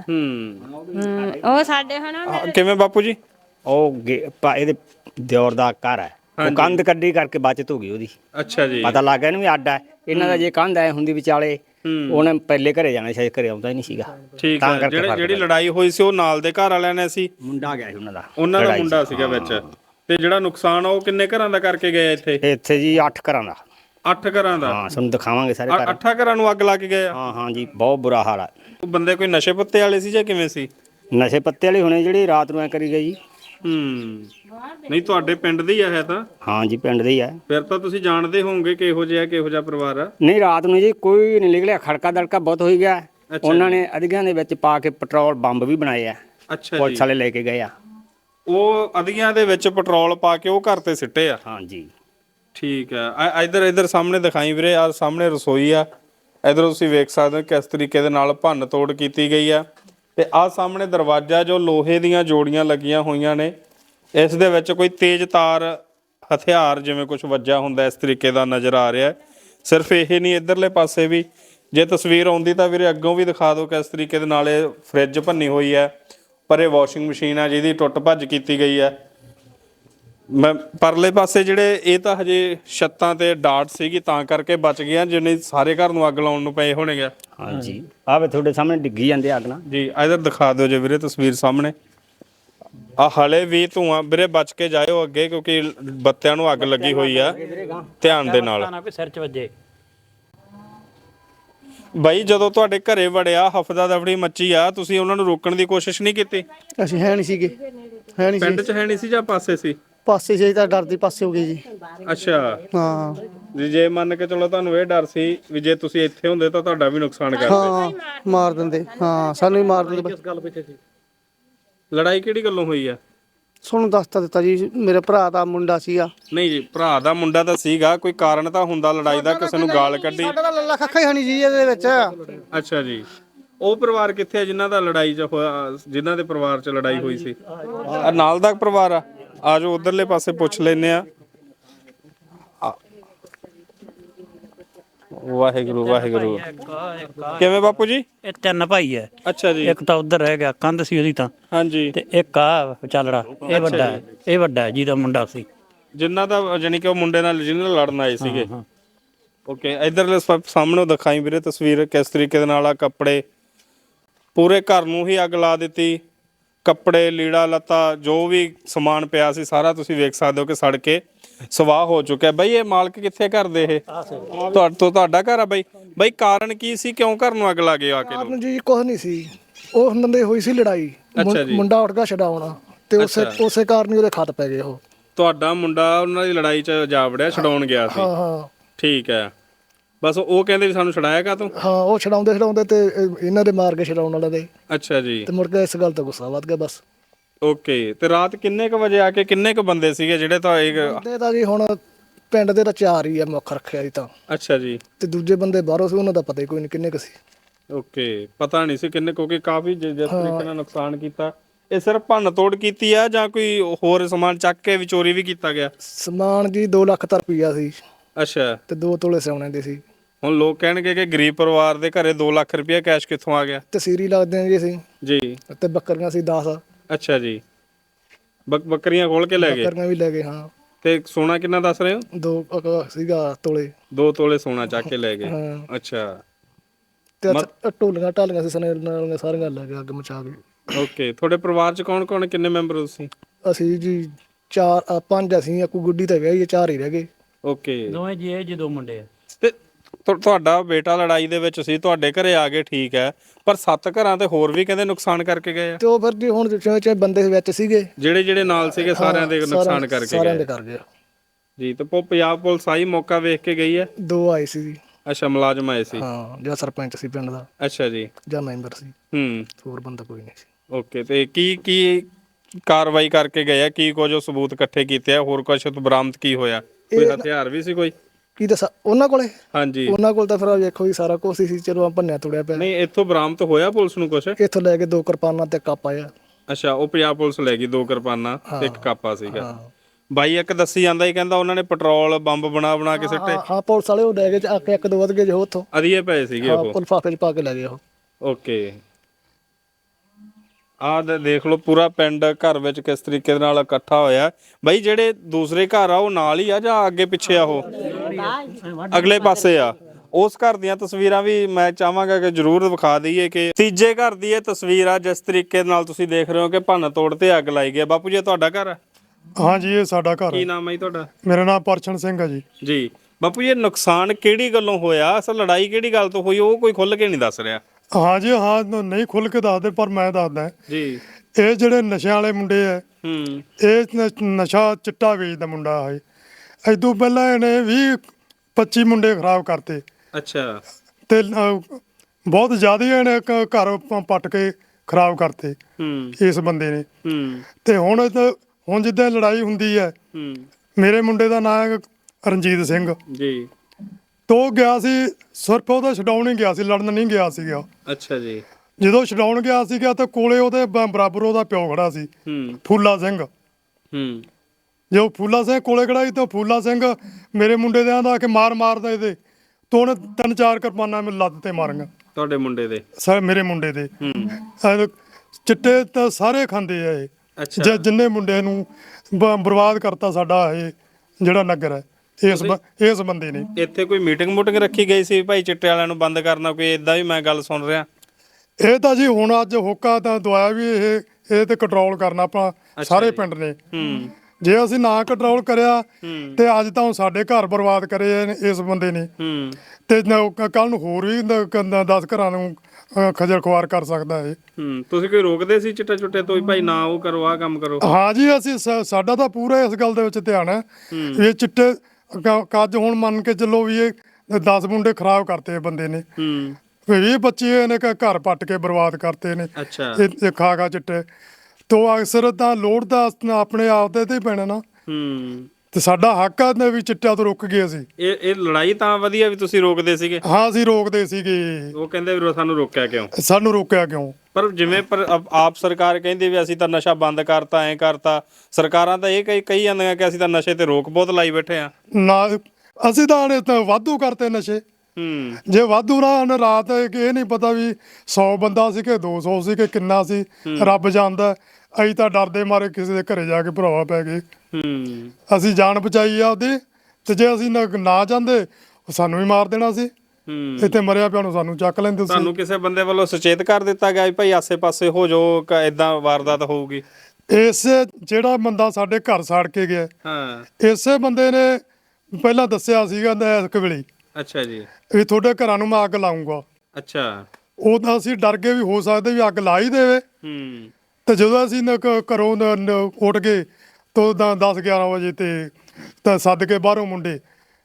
Speaker 4: ਹੂੰ
Speaker 8: ਉਹ ਸਾਡੇ ਹਨਾ
Speaker 4: ਕਿਵੇਂ ਬਾਪੂ ਜੀ?
Speaker 6: ਉਹ ਇਹਦੇ ਦਿਓਰ ਦਾ ਘਰ ਹੈ। ਉਹ ਕੰਧ ਕੱਢੀ ਕਰਕੇ ਬਚਤ ਹੋ ਗਈ ਉਹਦੀ।
Speaker 4: ਅੱਛਾ ਜੀ।
Speaker 6: ਪਤਾ ਲੱਗ ਗਿਆ ਇਹਨੂੰ ਵੀ ਅੱਡ ਹੈ ਇਹਨਾਂ ਦਾ। ਜੇ ਕੰਧ ਐ ਹੁੰਦੀ ਵਿਚਾਲੇ ਉਹਨੇ ਪਹਿਲੇ ਘਰੇ ਜਾਣਾ, ਸ਼ਾਇਦ ਘਰੇ ਆਉਂਦਾ ਹੀ ਨਹੀਂ ਸੀਗਾ।
Speaker 4: ਠੀਕ ਹੈ। ਜਿਹੜੀ ਜਿਹੜੀ ਲੜਾਈ ਹੋਈ ਸੀ ਉਹ ਨਾਲ ਦੇ ਘਰ ਵਾਲਿਆਂ ਨੇ ਸੀ?
Speaker 6: ਮੁੰਡਾ ਗਿਆ ਸੀ ਉਹਨਾਂ ਦਾ।
Speaker 4: ਉਹਨਾਂ ਦਾ ਮੁੰਡਾ ਸੀਗਾ ਵਿੱਚ। ਤੇ ਜਿਹੜਾ ਨੁਕਸਾਨ ਆ ਉਹ ਕਿੰਨੇ ਘਰਾਂ ਦਾ ਕਰਕੇ ਗਏ ਇੱਥੇ?
Speaker 6: ਇੱਥੇ ਜੀ ਅੱਠ ਘਰਾਂ ਦਾ।
Speaker 4: ਅੱਠ ਘਰਾਂ ਦਾ?
Speaker 6: ਹਾਂ ਤੁਹਾਨੂੰ ਦਿਖਾਵਾਂਗੇ ਸਾਰੇ ਘਰ।
Speaker 4: ਅੱਠਾਂ ਘਰਾਂ ਨੂੰ ਅੱਗ ਲਾ ਕੇ ਗਏ ਆ?
Speaker 6: ਹਾਂ ਹਾਂ ਜੀ ਬਹੁਤ ਬੁਰਾ ਹਾਲ ਆ।
Speaker 4: ਉਹ ਬੰਦੇ ਕੋਈ ਨਸ਼ੇ ਪੱਤੇ ਵਾਲੇ ਸੀ ਜਾਂ ਕਿਵੇਂ ਸੀ?
Speaker 6: ਨਸ਼ੇ ਪੱਤੇ ਵਾਲੇ ਹੋਣੇ ਜਿਹੜੀ ਰਾਤ ਨੂੰ ਐ ਕਰੀ ਗਈ ਜੀ।
Speaker 4: ਹੂੰ ਨਹੀਂ ਤੁਹਾਡੇ ਪਿੰਡ ਦੇ ਹੀ ਆ ਹੈ ਤਾਂ?
Speaker 6: ਹਾਂ ਜੀ ਪਿੰਡ ਦੇ ਹੀ ਆ।
Speaker 4: ਫਿਰ ਤਾਂ ਤੁਸੀਂ ਜਾਣਦੇ ਹੋਵੋਗੇ ਕਿਹੋ ਜਿਹਾ ਕਿਹੋ ਜਿਹਾ ਪਰਿਵਾਰ ਆ।
Speaker 6: ਨਹੀਂ ਰਾਤ ਨੂੰ ਜੀ ਕੋਈ ਨਹੀਂ ਨਿਕਲਿਆ। ਖੜਕਾ ਦੜਕਾ ਬਹੁਤ ਹੋਈ ਗਿਆ। ਉਹਨਾਂ ਨੇ ਅਧਿਕਾਂ ਦੇ ਵਿੱਚ ਪਾ ਕੇ ਪੈਟਰੋਲ ਬੰਬ ਵੀ ਬਣਾਏ ਆ।
Speaker 4: ਅੱਛਾ ਜੀ।
Speaker 6: ਪੁਲਿਸ ਵਾਲੇ ਲੈ ਕੇ ਗਏ ਆ।
Speaker 4: ਉਹ ਅਧੀਆਂ ਦੇ ਵਿੱਚ ਪੈਟਰੋਲ ਪਾ ਕੇ ਉਹ ਘਰ ਤੇ ਸਿੱਟੇ ਆ।
Speaker 6: ਹਾਂਜੀ
Speaker 4: ਠੀਕ ਹੈ। ਆ ਇਧਰ ਇਧਰ ਸਾਹਮਣੇ ਦਿਖਾਈ ਵੀਰੇ, ਆ ਸਾਹਮਣੇ ਰਸੋਈ ਆ, ਇਧਰ ਤੁਸੀਂ ਵੇਖ ਸਕਦੇ ਹੋ ਕਿਸ ਤਰੀਕੇ ਦੇ ਨਾਲ ਭੰਨ ਤੋੜ ਕੀਤੀ ਗਈ ਆ। ਤੇ ਆ ਸਾਹਮਣੇ ਦਰਵਾਜ਼ਾ ਜੋ ਲੋਹੇ ਦੀਆਂ ਜੋੜੀਆਂ ਲੱਗੀਆਂ ਹੋਈਆਂ ਨੇ, ਇਸ ਦੇ ਵਿੱਚ ਕੋਈ ਤੇਜ਼ ਤਾਰ ਹਥਿਆਰ ਜਿਵੇਂ ਕੁਝ ਵੱਜਾ ਹੁੰਦਾ ਇਸ ਤਰੀਕੇ ਦਾ ਨਜ਼ਰ ਆ ਰਿਹਾ। ਸਿਰਫ ਇਹ ਨਹੀਂ, ਇਧਰਲੇ ਪਾਸੇ ਵੀ ਜੇ ਤਸਵੀਰ ਆਉਂਦੀ ਤਾਂ ਵੀਰੇ ਅੱਗੋਂ ਵੀ ਦਿਖਾ ਦਿਓ ਕਿਸ ਤਰੀਕੇ ਦੇ ਨਾਲ ਇਹ ਫ੍ਰਿਜ ਭੰਨੀ ਹੋਈ ਹੈ। ਪਰ ਇਹ ਵਾਸ਼ਿੰਗ ਮਸ਼ੀਨ ਆ ਜਿਹਦੀ ਟੁੱਟ ਭੱਜ ਕੀਤੀ ਗਈ ਹੈ। ਮੈਂ ਪਰਲੇ ਪਾਸੇ ਜਿਹੜੇ ਇਹ ਤਾਂ ਹਜੇ ਛੱਤਾਂ ਤੇ ਡਾਟ ਸੀਗੀ ਤਾਂ ਕਰਕੇ ਬਚ ਗਿਆ, ਜਿਹਨੇ ਸਾਰੇ ਘਰ ਨੂੰ ਅੱਗ ਲਾਉਣ ਨੂੰ ਪਏ ਹੋਣਗੇ।
Speaker 6: ਹਾਂਜੀ ਆਹ ਵੇ ਤੁਹਾਡੇ ਸਾਹਮਣੇ ਡਿੱਗੀ ਜਾਂਦੇ ਅੱਗ ਨਾਲ
Speaker 4: ਜੀ ਇਧਰ ਦਿਖਾ ਦਿਓ ਜੇ ਵੀਰੇ ਤਸਵੀਰ ਸਾਹਮਣੇ। ਆ ਹਲੇ ਵੀ ਧੂਆਂ ਵੀਰੇ ਬਚ ਕੇ ਜਾਇਓ ਅੱਗੇ, ਕਿਉਂਕਿ ਬੱਤਿਆਂ ਨੂੰ ਅੱਗ ਲੱਗੀ ਹੋਈ ਆ, ਧਿਆਨ ਦੇ ਨਾਲ।
Speaker 6: ਸਿਰ 'ਚ ਵੱਜੇ
Speaker 4: ਬਾਈ ਜਦੋਂ ਤੁਹਾਡੇ ਘਰੇ ਵੜਿਆ ਹਫਦਾ ਦਫੜੀ ਮੱਚੀ ਆ, ਤੁਸੀਂ ਉਹਨਾਂ ਨੂੰ ਰੋਕਣ ਦੀ ਕੋਸ਼ਿਸ਼ ਨਹੀਂ ਕੀਤੀ?
Speaker 9: ਅਸੀਂ ਹੈ ਨਹੀਂ ਸੀਗੇ, ਹੈ ਨਹੀਂ
Speaker 4: ਪਿੰਡ
Speaker 9: ਸੀ
Speaker 4: 'ਚ ਹੈ ਨਹੀਂ ਸੀ ਜਾਂ ਪਾਸੇ ਸੀ?
Speaker 9: ਪਾਸੇ ਸੀ ਤਾਂ ਡਰਦੇ ਪਾਸੇ ਹੋ ਗਏ ਜੀ।
Speaker 4: ਅੱਛਾ
Speaker 9: ਹਾਂ
Speaker 4: ਜੀ, ਜੇ ਮੰਨ ਕੇ ਚਲੋ ਤੁਹਾਨੂੰ ਇਹ ਡਰ ਸੀ ਵੀ ਜੇ ਤੁਸੀਂ ਇੱਥੇ ਹੁੰਦੇ ਤਾਂ ਤੁਹਾਡਾ ਵੀ ਨੁਕਸਾਨ ਕਰਦੇ।
Speaker 9: ਹਾਂ ਮਾਰ ਦਿੰਦੇ, ਹਾਂ ਸਾਨੂੰ ਵੀ ਮਾਰ ਦਿੰਦੇ।
Speaker 6: ਗੱਲ ਪਿੱਛੇ ਸੀ
Speaker 4: ਲੜਾਈ ਕਿਹੜੀ ਗੱਲੋਂ ਹੋਈ ਆ?
Speaker 9: ਤੁਹਾਨੂੰ ਦੱਸਤਾ ਦਿੱਤਾ ਜੀ, ਮੇਰੇ ਭਰਾ ਦਾ ਮੁੰਡਾ ਸੀਗਾ।
Speaker 4: ਨਹੀਂ ਜੀ, ਭਰਾ ਦਾ ਮੁੰਡਾ ਤਾਂ ਸੀਗਾ, ਕੋਈ ਕਾਰਨ ਤਾਂ ਹੁੰਦਾ ਲੜਾਈ ਦਾ, ਕਿਸੇ ਨੂੰ ਗਾਲ ਕੱਢੀ?
Speaker 9: ਸਾਡਾ ਤਾਂ ਲੱਲਾ ਖੱਖਾ ਹੀ ਨਹੀਂ ਜੀ ਇਹਦੇ ਵਿੱਚ।
Speaker 4: ਅੱਛਾ ਜੀ, ਉਹ ਪਰਿਵਾਰ ਕਿੱਥੇ ਆ ਜਿਨ੍ਹਾਂ ਦਾ ਲੜਾਈ 'ਚ ਹੋਇਆ, ਜਿਨ੍ਹਾਂ ਦੇ ਪਰਿਵਾਰ 'ਚ ਲੜਾਈ ਹੋਈ ਸੀ? ਆ ਨਾਲ ਦਾ ਪਰਿਵਾਰ ਆ, ਆ ਜਾਓ ਉਧਰਲੇ ਪਾਸੇ ਪੁੱਛ ਲੈਨੇ ਆ। ਵਾਹਿਗੁਰੂ ਵਾਹਿਗੁਰੂ। ਕਿਵੇਂ ਬਾਪੂ ਜੀ?
Speaker 10: ਇਹ ਤਿੰਨ ਭਾਈ ਹੈ।
Speaker 4: ਅੱਛਾ ਜੀ।
Speaker 10: ਇੱਕ ਤਾਂ ਉਧਰ ਰਹਿ ਗਿਆ, ਕੰਧ ਸੀ ਉਹਦੀ ਤਾਂ।
Speaker 4: ਹਾਂਜੀ।
Speaker 10: ਤੇ ਇੱਕ ਆ ਚੱਲੜਾ, ਇਹ ਵੱਡਾ ਹੈ, ਇਹ ਵੱਡਾ ਹੈ ਜਿਹਦਾ ਮੁੰਡਾ ਸੀ,
Speaker 4: ਜਿਨ੍ਹਾਂ ਦਾ ਜਾਨੀ ਕਿ ਉਹ ਮੁੰਡੇ ਨਾਲ ਜਿਹਨਾਂ ਨਾਲ ਲੜਨ ਆਏ ਸੀਗੇ। ਓਕੇ, ਇਧਰਲੇ ਸਾਹਮਣੇ ਦਿਖਾਈ ਵੀਰੇ ਤਸਵੀਰ ਕਿਸ ਤਰੀਕੇ ਦੇ ਨਾਲ ਆ ਕੱਪੜੇ, ਪੂਰੇ ਘਰ ਨੂੰ ਹੀ ਅੱਗ ਲਾ ਦਿੱਤੀ। ਕੱਪੜੇ ਲੀੜਾ ਲੱਤਾ ਜੋ ਵੀ ਸਮਾਨ ਪਿਆ ਸੀ ਸਾਰਾ ਤੁਸੀਂ ਵੇਖ ਸਕਦੇ ਹੋ ਕਿ ਸੜ ਕੇ ਸਵਾਹ ਹੋ ਚੁੱਕਿਆ। ਬਈ ਇਹ ਮਾਲਕ ਕਿੱਥੇ ਘਰ ਦੇ? ਇਹ ਤੁਹਾਡਾ ਤੋਂ ਤੁਹਾਡਾ ਘਰ ਆ ਬਈ? ਬਈ ਕਾਰਨ ਕੀ ਸੀ, ਕਿਉਂ ਘਰ ਨੂੰ ਅੱਗ ਲਾ ਗਏ ਆ ਕੇ ਲੋਕ?
Speaker 9: ਜੀ ਕੁਝ ਨਹੀਂ ਸੀ, ਉਹ ਬੰਦੇ ਹੋਈ ਸੀ ਲੜਾਈ,
Speaker 4: ਅੱਛਾ ਜੀ।
Speaker 9: ਮੁੰਡਾ ਉੱਠ ਗਿਆ ਛਡਾਉਣਾ ਤੇ ਉਸੇ ਉਸੇ ਕਾਰਨ ਹੀ ਉਹਦੇ ਖੱਤ ਪੈ ਗਏ। ਉਹ
Speaker 4: ਤੁਹਾਡਾ ਮੁੰਡਾ ਉਹਨਾਂ ਦੀ ਲੜਾਈ 'ਚ ਜਾ ਵੜਿਆ, ਛਡਾਉਣ ਗਿਆ ਸੀ?
Speaker 9: ਹਾਂ ਹਾਂ
Speaker 4: ਠੀਕ ਹੈ। ਬਸ ਉਹ ਕਹਿੰਦੇ ਵੀ ਸਾਨੂੰ ਛਡਾਇਆ ਕਾ ਤੂੰ?
Speaker 9: ਹਾਂ ਉਹ ਛਡਾਉਂਦੇ ਛਡਾਉਂਦੇ ਤੇ ਇਹਨਾਂ ਦੇ ਮਾਰ ਕੇ ਛਡਾਉਣ ਵਾਲੇ ਦੇ।
Speaker 4: ਅੱਛਾ ਜੀ।
Speaker 9: ਤੇ ਮੁੜ ਕੇ ਇਸ ਗੱਲ ਤੋਂ ਗੁੱਸਾ ਵੱਧ ਗਿਆ ਬਸ।
Speaker 4: ਓਕੇ, ਤੇ ਰਾਤ ਕਿੰਨੇ ਕ ਵਜੇ ਆ ਕੇ ਕਿੰਨੇ ਕ ਬੰਦੇ ਸੀਗੇ ਜਿਹੜੇ ਤਾਂ ਇਹ?
Speaker 9: ਬੰਦੇ ਤਾਂ ਜੀ ਹੁਣ ਪਿੰਡ ਦੇ ਤਾਂ ਚਾਰ ਹੀ ਆ, ਮੁੱਖ ਰੱਖਿਆ ਜੀ ਤਾਂ।
Speaker 4: ਅੱਛਾ ਜੀ।
Speaker 9: ਤੇ ਦੂਜੇ ਬੰਦੇ ਬਾਹਰੋਂ ਸੀ, ਉਹਨਾਂ ਦਾ ਪਤਾ ਹੀ ਕੋਈ ਨਹੀਂ ਕਿੰਨੇ ਕ ਸੀ।
Speaker 4: ਓਕੇ, ਪਤਾ ਨਹੀਂ ਸੀ ਕਿੰਨੇ, ਕਿਉਂਕਿ ਕਾਫੀ ਜਿਸ ਤਰੀਕੇ ਨਾਲ ਨੁਕਸਾਨ ਕੀਤਾ। ਇਹ ਸਿਰਫ ਭੰਨ ਤੋੜ ਕੀਤੀ ਆ ਜਾਂ ਕੋਈ ਹੋਰ ਸਮਾਨ ਚੱਕ ਕੇ ਵੀ ਚੋਰੀ ਵੀ ਕੀਤਾ ਗਿਆ?
Speaker 9: ਸਮਾਨ ਜੀ ਦੋ ਲੱਖ ਦਾ ਰੁਪਈਆ ਸੀ।
Speaker 4: ਅੱਛਾ।
Speaker 9: ਤੇ ਦੋ ਤੋਲੇ ਸੋਨੇ ਦੇ ਸੀ।
Speaker 4: ਹੁਣ ਲੋਕ ਕਹਿਣਗੇ ਕਿ ਗਰੀਬ ਪਰਿਵਾਰ ਦੇ ਘਰੇ ਦੋ ਲੱਖ ਰੁਪਇਆ ਕੈਸ਼ ਕਿੱਥੋਂ ਆ ਗਿਆ?
Speaker 9: ਤਸੀਰੀ ਲੱਗਦੇ ਆ ਜੀ ਅਸੀਂ।
Speaker 4: ਜੀ।
Speaker 9: ਤੇ ਬੱਕਰੀਆਂ ਸੀ ਦਸ।
Speaker 4: ਅੱਛਾ ਜੀ, ਬੱਕ ਬੱਕਰੀਆਂ ਖੋਲ ਕੇ ਲੈ ਗਏ?
Speaker 9: ਬੱਕਰੀਆਂ ਵੀ ਲੈ ਗਏ ਹਾਂ।
Speaker 4: ਤੇ ਸੋਨਾ ਕਿੰਨਾ ਦੱਸ ਰਹੇ ਹੋ?
Speaker 9: ਦੋ ਅਹ ਸੀਗਾ ਤੋਲੇ।
Speaker 4: ਦੋ ਤੋਲੇ ਸੋਨਾ ਚੱਕ ਕੇ ਲੈ ਗਏ?
Speaker 9: ਹਾਂ।
Speaker 4: ਅੱਛਾ।
Speaker 9: ਤੇ ਢੋਲੀਆਂ ਢਾਲੀਆਂ ਸੀ ਸਨੇ ਨਾਲ ਸਾਰੀਆਂ ਲੈ ਕੇ ਅੱਗ ਮਚਾ ਗਏ।
Speaker 4: ਓਕੇ, ਤੁਹਾਡੇ ਪਰਿਵਾਰ ਚ ਕੌਣ ਕੌਣ, ਕਿੰਨੇ ਮੈਂਬਰ ਤੁਸੀਂ?
Speaker 9: ਅਸੀਂ ਜੀ ਚਾਰ ਅ, ਪੰਜ ਅਸੀਂ, ਇੱਕ ਗੁੱਡੀ ਤਾਂ ਵਿਆਹੀ, ਚਾਰ ਹੀ ਰਹਿ ਗਏ।
Speaker 4: ਓਕੇ।
Speaker 10: ਦੋਵੇਂ ਜੀ ਇਹ ਜੀ ਦੋ ਮੁੰਡੇ ਆ।
Speaker 4: ਤੇ ਤੁ- ਤੁਹਾਡਾ ਬੇਟਾ ਲੜਾਈ ਦੇ ਵਿੱਚ ਸੀ, ਤੁਹਾਡੇ ਘਰੇ ਆ ਗਏ, ਠੀਕ ਹੈ, ਪਰ ਸੱਤ ਘਰਾਂ ਤੇ ਹੋਰ ਵੀ ਕਹਿੰਦੇ ਨੁਕਸਾਨ ਕਰਕੇ ਗਏ ਆ?
Speaker 9: ਤੇ ਉਹ ਫਿਰ ਜੀ ਹੁਣ ਜਿਵੇਂ ਜਿਵੇਂ ਬੰਦੇ ਵਿੱਚ ਸੀਗੇ,
Speaker 4: ਜਿਹੜੇ ਜਿਹੜੇ ਨਾਲ ਸੀਗੇ ਸਾਰਿਆਂ ਦੇ ਨੁਕਸਾਨ ਕਰਕੇ
Speaker 9: ਸਾਰਿਆਂ ਦੇ
Speaker 4: ਗਏ
Speaker 9: ਕਰ ਗਏ।
Speaker 4: ਜੀ। ਤੇ ਪ- ਪੰਜਾਬ ਪੁਲਿਸ ਆਈ, ਮੌਕਾ ਵੇਖ ਕੇ ਗਈ ਹੈ?
Speaker 9: ਦੋ ਆਏ ਸੀ ਜੀ।
Speaker 4: ਅੱਛਾ, ਮੁਲਾਜ਼ਮ ਆਏ ਸੀ?
Speaker 9: ਹਾਂ, ਜਾਂ ਸਰਪੰਚ ਸੀ ਪਿੰਡ ਦਾ
Speaker 4: ਅੱਛਾ ਜੀ।
Speaker 9: ਜਾਂ ਮੈਂਬਰ ਸੀ,
Speaker 4: ਹੂੰ।
Speaker 9: ਹੋਰ ਬੰਦਾ ਕੋਈ ਨਹੀਂ ਸੀ।
Speaker 4: ਓਕੇ, ਤੇ ਕੀ ਕੀ ਕਾਰਵਾਈ ਕਰਕੇ ਗਏ ਆ? ਕੀ ਕੁਝ ਉਹ ਸਬੂਤ ਇਕੱਠੇ ਕੀਤੇ ਆ? ਹੋਰ ਕੁਝ ਬਰਾਮਦ ਕੀ ਹੋਇਆ? ਕੋਈ ਹਥਿਆਰ ਵੀ ਸੀ ਕੋਈ?
Speaker 9: ਕੀ ਦੱਸਾਂ ਉਹਨਾਂ ਕੋਲੇ?
Speaker 4: ਹਾਂਜੀ।
Speaker 9: ਉਹਨਾਂ ਕੋਲ ਤਾਂ ਫਿਰ ਵੇਖੋ ਜੀ ਸਾਰਾ ਕੁਝ ਸੀ। ਚਲੋ ਆ ਭੰਨਿਆ ਤੁੜਿਆ ਪਿਆ।
Speaker 4: ਨਹੀਂ, ਇੱਥੋਂ ਬਰਾਮਦ ਹੋਇਆ ਪੁਲਿਸ ਨੂੰ ਕੁਝ?
Speaker 9: ਇੱਥੋਂ ਲੈ ਕੇ ਦੋ ਕਿਰਪਾਨਾਂ ਤੇ ਕੱਪ ਆਇਆ।
Speaker 4: ਅੱਛਾ, ਉਹ ਪੰਜਾਬ ਪੁਲਿਸ ਲੈ ਗਈ ਦੋ ਕਿਰਪਾਨਾਂ ਤੇ ਇੱਕ ਕਾਪਾ ਸੀਗਾ।
Speaker 9: ਹਾਂ।
Speaker 4: ਬਾਈ ਇੱਕ ਦੱਸੀ ਜਾਂਦਾ ਹੀ, ਕਹਿੰਦਾ ਉਹਨਾਂ ਨੇ ਪੈਟਰੋਲ ਬੰਬ ਬਣਾ ਬਣਾ ਕੇ ਸਿੱਟੇ।
Speaker 9: ਹਾਂ, ਪੁਲਿਸ ਵਾਲੇ ਉਹ ਲੈ ਗਏ ਆ ਕੇ, ਇੱਕ ਦੋ ਵਧ ਗਏ ਜੋ ਉੱਥੋਂ
Speaker 4: ਅਧੀਏ ਪਏ ਸੀਗੇ
Speaker 9: ਹਾਂ,
Speaker 4: ਉਹ?
Speaker 9: ਲਿਫਾਫੇ 'ਚ ਪਾ ਕੇ ਲੈ ਗਏ ਉਹ।
Speaker 4: ਓਕੇ। ਆਹ ਦੇਖ ਲਓ ਪੂਰਾ ਪਿੰਡ ਘਰ ਵਿੱਚ ਕਿਸ ਤਰੀਕੇ ਦੇ ਨਾਲ ਇਕੱਠਾ ਹੋਇਆ। ਬਾਈ ਜਿਹੜੇ ਦੂਸਰੇ ਘਰ ਆ ਉਹ ਨਾਲ ਹੀ ਆ ਜਾਂ ਅੱਗੇ ਪਿੱਛੇ ਆ? ਉਹ ਅਗਲੇ ਪਾਸੇ ਆ। ਉਸ ਘਰ ਦੀਆਂ ਤਸਵੀਰਾਂ ਵੀ ਮੈਂ ਚਾਹਾਂਗਾ ਕਿ ਜ਼ਰੂਰ ਵਿਖਾ ਦਈਏ ਕਿ ਤੀਜੇ ਘਰ ਦੀ ਇਹ ਤਸਵੀਰ ਆ ਜਿਸ ਤਰੀਕੇ ਨਾਲ ਤੁਸੀਂ ਦੇਖ ਰਹੇ ਹੋ ਕਿ ਭੰਨ ਤੋੜ ਤੇ ਅੱਗ ਲਾਈ ਗਈ। ਬਾਪੂ ਜੀ, ਤੁਹਾਡਾ ਘਰ ਆ?
Speaker 3: ਹਾਂ ਜੀ, ਇਹ ਸਾਡਾ ਘਰ
Speaker 4: ਕੀ
Speaker 3: ਹੈ।
Speaker 4: ਨਾਮ ਹੈ ਜੀ ਤੁਹਾਡਾ?
Speaker 3: ਮੇਰਾ ਨਾਮ ਪਰਚਨ ਸਿੰਘ ਹੈ ਜੀ।
Speaker 4: ਜੀ। ਬਾਪੂ ਜੀ, ਇਹ ਨੁਕਸਾਨ ਕਿਹੜੀ ਗੱਲੋਂ ਹੋਇਆ? ਅਸਲ ਲੜਾਈ ਕਿਹੜੀ ਗੱਲ ਤੋਂ ਹੋਈ ਉਹ ਕੋਈ ਖੁੱਲ ਕੇ ਨਹੀਂ ਦੱਸ ਰਿਹਾ।
Speaker 3: ਹਾਂ ਜੀ, ਹਾਂ ਨਹੀਂ ਖੁੱਲ ਕੇ ਦੱਸਦੇ ਪਰ ਮੈਂ ਦੱਸਦਾ
Speaker 4: ਜੀ।
Speaker 3: ਇਹ ਜਿਹੜੇ ਨਸ਼ਿਆਂ ਵਾਲੇ ਮੁੰਡੇ ਆ,
Speaker 4: ਹੂੰ।
Speaker 3: ਇਹ ਨ- ਨਸ਼ਾ ਚਿੱਟਾ ਵੇਚਦਾ ਮੁੰਡਾ ਹੈ। ਇਦੋਂ ਪਹਿਲਾਂ ਇਹਨੇ ਵੀਹ ਪੱਚੀ ਮੁੰਡੇ ਖਰਾਬ ਕਰਤੇ
Speaker 4: ਅੱਛਾ।
Speaker 3: ਤੇ ਅਹ, ਬਹੁਤ ਜ਼ਿਆਦਾ ਇਹਨੇ ਕ- ਘਰ ਪ- ਪੱਟ ਕੇ ਖਰਾਬ ਕਰਤੇ
Speaker 4: ਹੂੰ
Speaker 3: ਇਸ ਬੰਦੇ ਨੇ।
Speaker 4: ਹੂੰ
Speaker 3: ਤੇ ਹੁਣ ਇਹ ਤਾਂ ਹੁਣ ਜਿੱਦਾਂ ਲੜਾਈ ਹੁੰਦੀ ਹੈ,
Speaker 4: ਹੂੰ
Speaker 3: ਮੇਰੇ ਮੁੰਡੇ ਦਾ ਨਾਂ ਹੈ ਰਣਜੀਤ ਸਿੰਘ,
Speaker 4: ਜੀ
Speaker 3: ਤੋ ਗਿਆ ਸੀ ਸਿਰਫ ਉਹਦਾ ਛਡਾਉਣ ਹੀ ਗਿਆ ਸੀ, ਲੜਨ ਨਹੀਂ ਗਿਆ ਸੀਗਾ।
Speaker 4: ਅੱਛਾ ਜੀ।
Speaker 3: ਜਦੋਂ ਛਡਾਉਣ ਗਿਆ ਸੀਗਾ ਤਾਂ ਕੋਲੇ ਉਹਦੇ ਬ- ਬਰਾਬਰ ਉਹਦਾ ਪਿਓ ਖੜਾ ਸੀ,
Speaker 4: ਹੂੰ
Speaker 3: ਫੂਲਾ ਸਿੰਘ।
Speaker 4: ਹੂੰ
Speaker 3: ਜੋ ਫੂਲਾ ਸਿੰਘ ਕੋਲੇ ਖੜਾ ਸੀ ਤਾਂ ਫੂਲਾ ਸਿੰਘ ਮੇਰੇ ਮੁੰਡੇ ਦੇ ਆਂਦਾ ਕਿ ਮਾਰ ਮਾਰਦਾ ਇਹਦੇ, ਤੋਂ ਉਹਨੇ ਤਿੰਨ ਚਾਰ ਕਿਰਪਾਨਾਂ ਮੇਰੇ ਲੱਤ ਤੇ ਮਾਰੀਆਂ,
Speaker 4: ਤੁਹਾਡੇ ਮੁੰਡੇ ਦੇ?
Speaker 3: ਸਰ ਮੇਰੇ ਮੁੰਡੇ ਦੇ।
Speaker 4: ਹੂੰ
Speaker 3: ਅਹ ਚਿੱਟੇ ਤਾਂ ਸਾਰੇ ਖਾਂਦੇ ਆ ਇਹ,
Speaker 4: ਅੱਛਾ।
Speaker 3: ਜੇ ਜਿੰਨੇ ਮੁੰਡੇ ਨੂੰ ਬ- ਬਰਬਾਦ ਕਰਤਾ ਸਾਡਾ ਇਹ ਜਿਹੜਾ ਨਗਰ ਹੈ ਇਸ ਬ- ਇਸ ਬੰਦੇ ਨੇ।
Speaker 4: ਇੱਥੇ ਕੋਈ ਮੀਟਿੰਗ ਮੂਟਿੰਗ ਰੱਖੀ ਗਈ ਸੀ ਭਾਈ ਚਿੱਟੇ ਵਾਲਿਆਂ ਨੂੰ ਬੰਦ ਕਰਨਾ, ਕੋਈ ਇਦਾਂ ਵੀ ਮੈਂ ਗੱਲ ਸੁਣ ਰਿਹਾ?
Speaker 3: ਇਹ ਤਾਂ ਜੀ ਹੁਣ ਅੱਜ ਹੋਕਾ ਤਾਂ ਦਵਾਇਆ ਵੀ ਇਹ ਇਹ ਤੇ ਕੰਟਰੋਲ ਕਰਨਾ ਆਪਾਂ ਸਾਰੇ ਪਿੰਡ ਨੇ।
Speaker 4: ਹੂੰ
Speaker 3: ਜੇ ਅਸੀਂ ਨਾ ਕੰਟਰੋਲ ਕਰਿਆ ਤੇ ਅੱਜ ਤਾਂ ਹੁਣ ਸਾਡੇ ਘਰ ਬਰਬਾਦ ਕਰੇ ਨੇ ਇਸ ਬੰਦੇ ਨੇ,
Speaker 4: ਹੂੰ
Speaker 3: ਤੇ ਕੱਲ ਨੂੰ ਹੋਰ ਵੀ ਦਸ ਘਰਾਂ ਨੂੰ ਅਹ, ਖੱਜਲ ਖੁਆਰ ਕਰ ਸਕਦਾ ਹੈ।
Speaker 4: ਹੂੰ ਤੁਸੀਂ ਕੋਈ ਰੋਕਦੇ ਸੀ ਚਿੱਟੇ ਚੁੱਟੇ ਤੋਂ ਵੀ ਭਾਈ ਨਾ ਉਹ ਕਰੋ ਆਹ ਕੰਮ ਕਰੋ?
Speaker 3: ਹਾਂ ਜੀ, ਅਸੀਂ ਸ- ਸਾਡਾ ਤਾਂ ਪੂਰਾ ਇਸ ਗੱਲ ਦੇ ਵਿੱਚ ਧਿਆਨ ਹੈ ਵੀ ਇਹ ਚਿੱਟੇ ਕ- ਕੱਜ ਹੁਣ ਮੰਨ ਕੇ ਚੱਲੋ ਵੀ ਇਹ ਦਸ ਮੁੰਡੇ ਖਰਾਬ ਕਰਤੇ ਇਹ ਬੰਦੇ ਨੇ,
Speaker 4: ਹੂੰ
Speaker 3: ਵੀਹ ਬੱਚੇ ਨੇ ਘ- ਘਰ ਪੱਟ ਕੇ ਬਰਬਾਦ ਕਰਤੇ ਨੇ
Speaker 4: ਅੱਛਾ।
Speaker 3: ਇਹ ਇਹ ਖਾ ਖਾ ਚਿੱਟੇ ਤੋਂ। ਅਕਸਰ ਤਾਂ ਲੋੜ ਦਾ ਆਪਣੇ ਆਪ ਦੇ ਤੇ ਹੀ ਪੈਣਾ ਨਾ,
Speaker 4: ਹੂੰ
Speaker 3: ਤੇ ਸਾਡਾ ਹੱਕ ਆ ਨੇ ਵੀ ਚਿੱਟਿਆਂ ਤੋਂ ਰੁਕ ਗਏ ਅਸੀਂ।
Speaker 4: ਇਹ ਇਹ ਲੜਾਈ ਤਾਂ ਵਧੀਆ ਵੀ ਤੁਸੀਂ ਰੋਕਦੇ ਸੀਗੇ।
Speaker 3: ਹਾਂ ਅਸੀਂ ਰੋਕਦੇ ਸੀਗੇ।
Speaker 4: ਉਹ ਕਹਿੰਦੇ ਵੀ ਸਾਨੂੰ ਰੋਕਿਆ ਕਿਉਂ?
Speaker 3: ਸਾਨੂੰ ਰੋਕਿਆ ਕਿਉਂ?
Speaker 4: ਪਰ ਜਿਵੇਂ ਪਰ ਆਪ- ਆਪ ਸਰਕਾਰ ਕਹਿੰਦੀ ਵੀ ਅਸੀਂ ਤਾਂ ਨਸ਼ਾ ਬੰਦ ਕਰਤਾ, ਐਂ ਕਰਤਾ, ਸਰਕਾਰਾਂ ਤਾਂ ਇਹ ਕਹੀ ਕਹੀ ਜਾਂਦੀਆਂ ਕਿ ਅਸੀਂ ਤਾਂ ਨਸ਼ੇ ਤੇ ਰੋਕ ਬਹੁਤ ਲਾਈ ਬੈਠੇ ਆ।
Speaker 3: ਨਾ ਅਸੀਂ ਤਾਂ ਹਲੇ ਤਾਂ ਵਾਧੂ ਕਰਤੇ ਨਸ਼ੇ।
Speaker 4: ਹੂੰ
Speaker 3: ਜੇ ਵਾਧੂ ਨਾ ਉਹਨੇ ਰਾਤ ਇਹ ਨਹੀਂ ਪਤਾ ਵੀ ਸੌ ਬੰਦਾ ਸੀ ਕਿ ਦੋ ਸੌ ਸੀ ਕਿ ਕਿੰਨਾ ਸੀ, ਰੱਬ ਜਾਣਦਾ। ਅਸੀਂ ਤਾਂ ਡਰਦੇ ਮਾਰੇ ਕਿਸੇ ਦੇ ਘਰੇ ਜਾ ਕੇ ਭਰਾਵਾ ਪੈ ਗਏ।
Speaker 4: ਹੂੰ
Speaker 3: ਅਸੀਂ ਜਾਨ ਬਚਾਈ ਆ ਉਹਦੀ, ਤੇ ਜੇ ਅਸੀਂ ਨਾ ਨਾ ਜਾਂਦੇ ਉਹ ਸਾਨੂੰ ਵੀ ਮਾਰ ਦੇਣਾ ਸੀ।
Speaker 4: ਹੂੰ
Speaker 3: ਇੱਥੇ ਮਰਿਆ ਪਿਆ ਨੂੰ ਸਾਨੂੰ ਚੱਕ ਲੈਂਦੇ ਸੀ।
Speaker 4: ਤੁਹਾਨੂੰ ਕਿਸੇ ਬੰਦੇ ਵੱਲੋਂ ਸੁਚੇਤ ਕਰ ਦਿੱਤਾ ਗਿਆ ਵੀ ਭਾਈ ਆਸੇ-ਪਾਸੇ ਹੋ ਜਾਓ, ਇਦਾਂ ਵਾਰਦਾਤ ਹੋਊਗੀ?
Speaker 3: ਇਸੇ ਜਿਹੜਾ ਬੰਦਾ ਸਾਡੇ ਘਰ ਸਾੜ ਕੇ ਗਿਆ,
Speaker 4: ਹਾਂ
Speaker 3: ਇਸੇ ਬੰਦੇ ਨੇ ਪਹਿਲਾਂ ਦੱਸਿਆ ਸੀਗਾ ਇਸ ਕਵੇਲੇ
Speaker 4: ਅੱਛਾ ਜੀ।
Speaker 3: ਵੀ ਤੁਹਾਡੇ ਘਰਾਂ ਨੂੰ ਮੈਂ ਅੱਗ ਲਾਉਂਗਾ।
Speaker 4: ਅੱਛਾ।
Speaker 3: ਉਹ ਤਾਂ ਅਸੀਂ ਡਰ ਗਏ ਵੀ ਹੋ ਸਕਦੇ ਵੀ ਅੱਗ ਲਾ ਹੀ ਦੇਵੇ।
Speaker 4: ਹੂੰ
Speaker 3: ਤੇ ਜਦੋਂ ਅਸੀਂ ਨ- ਘ- ਘਰੋਂ ਨ- ਨ- ਉੱਠ ਗਏ ਤੋਂ ਦਸ ਗਿਆਰਾਂ ਵਜੇ ਤੇ ਤਾਂ ਸੱਦ ਕੇ ਬਾਹਰੋਂ ਮੁੰਡੇ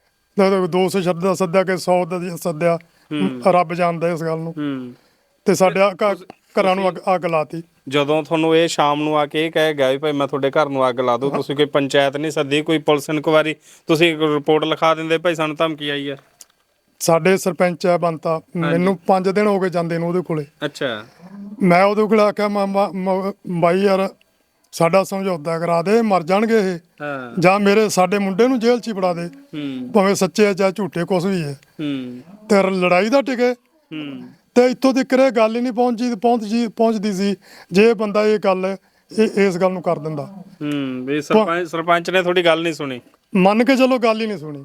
Speaker 3: ਦੋ ਸੌ ਸ਼ਬਦ ਸੱਦਿਆ ਕਿ ਸੌ ਦਾ ਸੱਦਿਆ, ਰੱਬ ਜਾਣਦਾ ਇਸ ਗੱਲ ਨੂੰ।
Speaker 4: ਹੂੰ
Speaker 3: ਤੇ ਸਾਡੇ ਆ ਘ- ਘਰਾਂ ਨੂੰ ਅੱਗ- ਅੱਗ ਲਾਤੀ।
Speaker 4: ਜਦੋਂ ਤੁਹਾਨੂੰ ਇਹ ਸ਼ਾਮ ਨੂੰ ਆ ਕੇ ਇਹ ਕਹਿ ਗਿਆ ਵੀ ਭਾਈ ਮੈਂ ਤੁਹਾਡੇ ਘਰ ਨੂੰ ਅੱਗ ਲਾ ਦੂੰ, ਤੁਸੀਂ ਕੋਈ ਪੰਚਾਇਤ ਨਹੀਂ ਸੱਦੀ, ਕੋਈ ਪੁਲਿਸ ਇਨਕੁਆਇਰੀ, ਤੁਸੀਂ ਰਿਪੋਰਟ ਲਿਖਾ ਦਿੰਦੇ ਭਾਈ ਸਾਨੂੰ ਧਮਕੀ ਆਈ ਆ?
Speaker 3: ਸਾਡੇ ਸਰਪੰਚ ਹੈ ਬੰਤਾ, ਮੈਨੂੰ ਪੰਜ ਦਿਨ ਹੋ ਗਏ ਜਾਂਦੇ ਨੂੰ ਉਹਦੇ ਕੋਲੇ।
Speaker 4: ਅੱਛਾ।
Speaker 3: ਮੈਂ ਉਹਦੇ ਕੋਲ ਆਖਿਆ ਮ- ਮ- ਮ- ਬਾਈ ਯਾਰ ਸਾਡਾ ਸਮਝੌਤਾ ਕਰਾ ਦੇ, ਮਰ ਜਾਣਗੇ ਇਹ,
Speaker 4: ਹਾਂ
Speaker 3: ਜਾਂ ਮੇਰੇ ਸਾਡੇ ਮੁੰਡੇ ਨੂੰ ਜੇਲ੍ਹ 'ਚ ਹੀ ਫੜਾ ਦੇ,
Speaker 4: ਹੂੰ
Speaker 3: ਭਾਵੇਂ ਸੱਚੇ ਆ ਜਾਂ ਝੂਠੇ ਕੁਛ ਵੀ ਹੈ,
Speaker 4: ਹੂੰ
Speaker 3: ਤੇ ਲੜਾਈ ਦਾ ਟਿਕੇ।
Speaker 4: ਹੂੰ
Speaker 3: ਤੇ ਇੱਥੋਂ ਤੱਕ ਇਹ ਗੱਲ ਹੀ ਨਹੀਂ ਪਹੁੰਚੀ ਪਹੁੰਚੀ ਪਹੁੰਚਦੀ ਸੀ ਜੇ ਇਹ ਬੰਦਾ ਇਹ ਗੱਲ ਇਹ ਇਸ ਗੱਲ ਨੂੰ ਕਰ ਦਿੰਦਾ।
Speaker 4: ਹੂੰ ਵੀ ਸਰਪੰਚ ਸਰਪੰਚ ਨੇ ਤੁਹਾਡੀ ਗੱਲ ਨਹੀਂ ਸੁਣੀ?
Speaker 3: ਮੰਨ ਕੇ ਚਲੋ ਗੱਲ ਹੀ ਨਹੀਂ ਸੁਣੀ।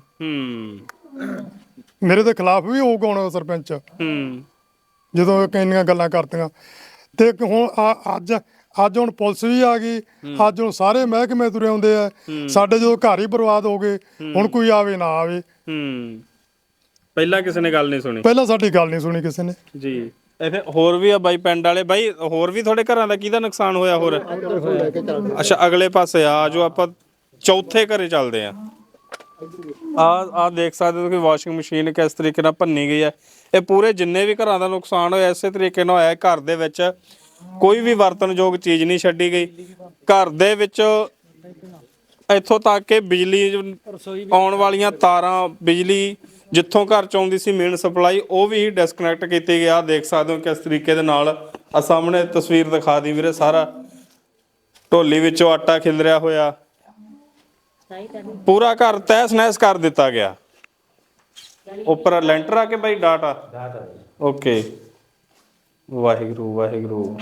Speaker 4: ਹੂੰ
Speaker 3: ਮੇਰੇ ਦੇ ਖਿਲਾਫ ਵੀ ਹੋਊਗਾ ਹੁਣ ਸਰਪੰਚ
Speaker 4: ਹੂੰ
Speaker 3: ਜਦੋਂ ਕਿੰਨੀਆਂ ਗੱਲਾਂ ਕਰਤੀਆਂ। ਤੇ ਹੁਣ ਆ- ਅੱਜ ਅੱਜ ਹੁਣ ਪੁਲਿਸ ਵੀ ਆ ਗਈ, ਅੱਜ ਹੁਣ ਸਾਰੇ ਮਹਿਕਮੇ ਤੁਰੇ ਆਉਂਦੇ ਆ। ਸਾਡੇ ਜਦੋਂ ਘਰ ਹੀ ਬਰਬਾਦ ਹੋ ਗਏ, ਹੁਣ ਕੋਈ ਆਵੇ ਨਾ ਆਵੇ।
Speaker 4: ਹੂੰ ਪਹਿਲਾਂ ਕਿਸੇ ਨੇ ਗੱਲ ਨਹੀਂ ਸੁਣੀ?
Speaker 3: ਪਹਿਲਾਂ ਸਾਡੀ ਗੱਲ ਨਹੀਂ ਸੁਣੀ ਕਿਸੇ ਨੇ
Speaker 4: ਜੀ। ਇੱਥੇ ਹੋਰ ਵੀ ਆ ਬਾਈ ਪਿੰਡ ਵਾਲੇ, ਬਾਈ ਹੋਰ ਵੀ ਤੁਹਾਡੇ ਘਰਾਂ ਦਾ ਕਿਹਦਾ ਨੁਕਸਾਨ ਹੋਇਆ ਹੋਰ? ਅੱਛਾ ਅਗਲੇ ਪਾਸੇ ਆ ਜੋ ਆਪਾਂ ਚੌਥੇ ਘਰੇ ਚੱਲਦੇ ਆ। ਆ ਆ ਦੇਖ ਸਕਦੇ ਹੋ ਕਿ ਵਾਸ਼ਿੰਗ ਮਸ਼ੀਨ ਕਿਸ ਤਰੀਕੇ ਨਾਲ ਭੰਨੀ ਗਈ ਹੈ। ਇਹ ਪੂਰੇ ਜਿੰਨੇ ਵੀ ਘਰਾਂ ਦਾ ਨੁਕਸਾਨ ਹੋਇਆ ਇਸੇ ਤਰੀਕੇ ਨਾਲ ਹੋਇਆ। ਘਰ ਦੇ ਵਿੱਚ ਕੋਈ ਵੀ ਵਰਤਨਯੋਗ ਚੀਜ਼ ਨਹੀਂ ਛੱਡੀ ਗਈ। ਘਰ ਦੇ ਵਿੱਚ ਇੱਥੋਂ ਤੱਕ ਕਿ ਬਿਜਲੀ ਆਉਣ ਵਾਲੀਆਂ ਤਾਰਾਂ, ਬਿਜਲੀ ਜਿੱਥੋਂ ਘਰ ਚ ਆਉਂਦੀ ਸੀ ਮੇਨ ਸਪਲਾਈ, ਉਹ ਵੀ ਡਿਸਕਨੈਕਟ ਕੀਤੀ ਗਿਆ। ਦੇਖ ਸਕਦੇ ਹੋ ਕਿਸ ਤਰੀਕੇ ਦੇ ਨਾਲ। ਆ ਸਾਹਮਣੇ ਤਸਵੀਰ ਦਿਖਾ ਦੀ ਵੀਰੇ, ਸਾਰਾ ਢੋਲੀ ਵਿੱਚੋਂ ਆਟਾ ਖਿਲਰਿਆ ਹੋਇਆ, ਪੂਰਾ ਘਰ ਤਹਿਸ ਨਹਿਸ ਕਰ ਦਿੱਤਾ ਗਿਆ। ਉੱਪਰ ਲੈਂਟਰ ਆ ਕੇ ਬਾਈ ਡਾਟ ਆ? ਓਕੇ, ਵਾਹਿਗੁਰੂ ਵਾਹਿਗੁਰੂ।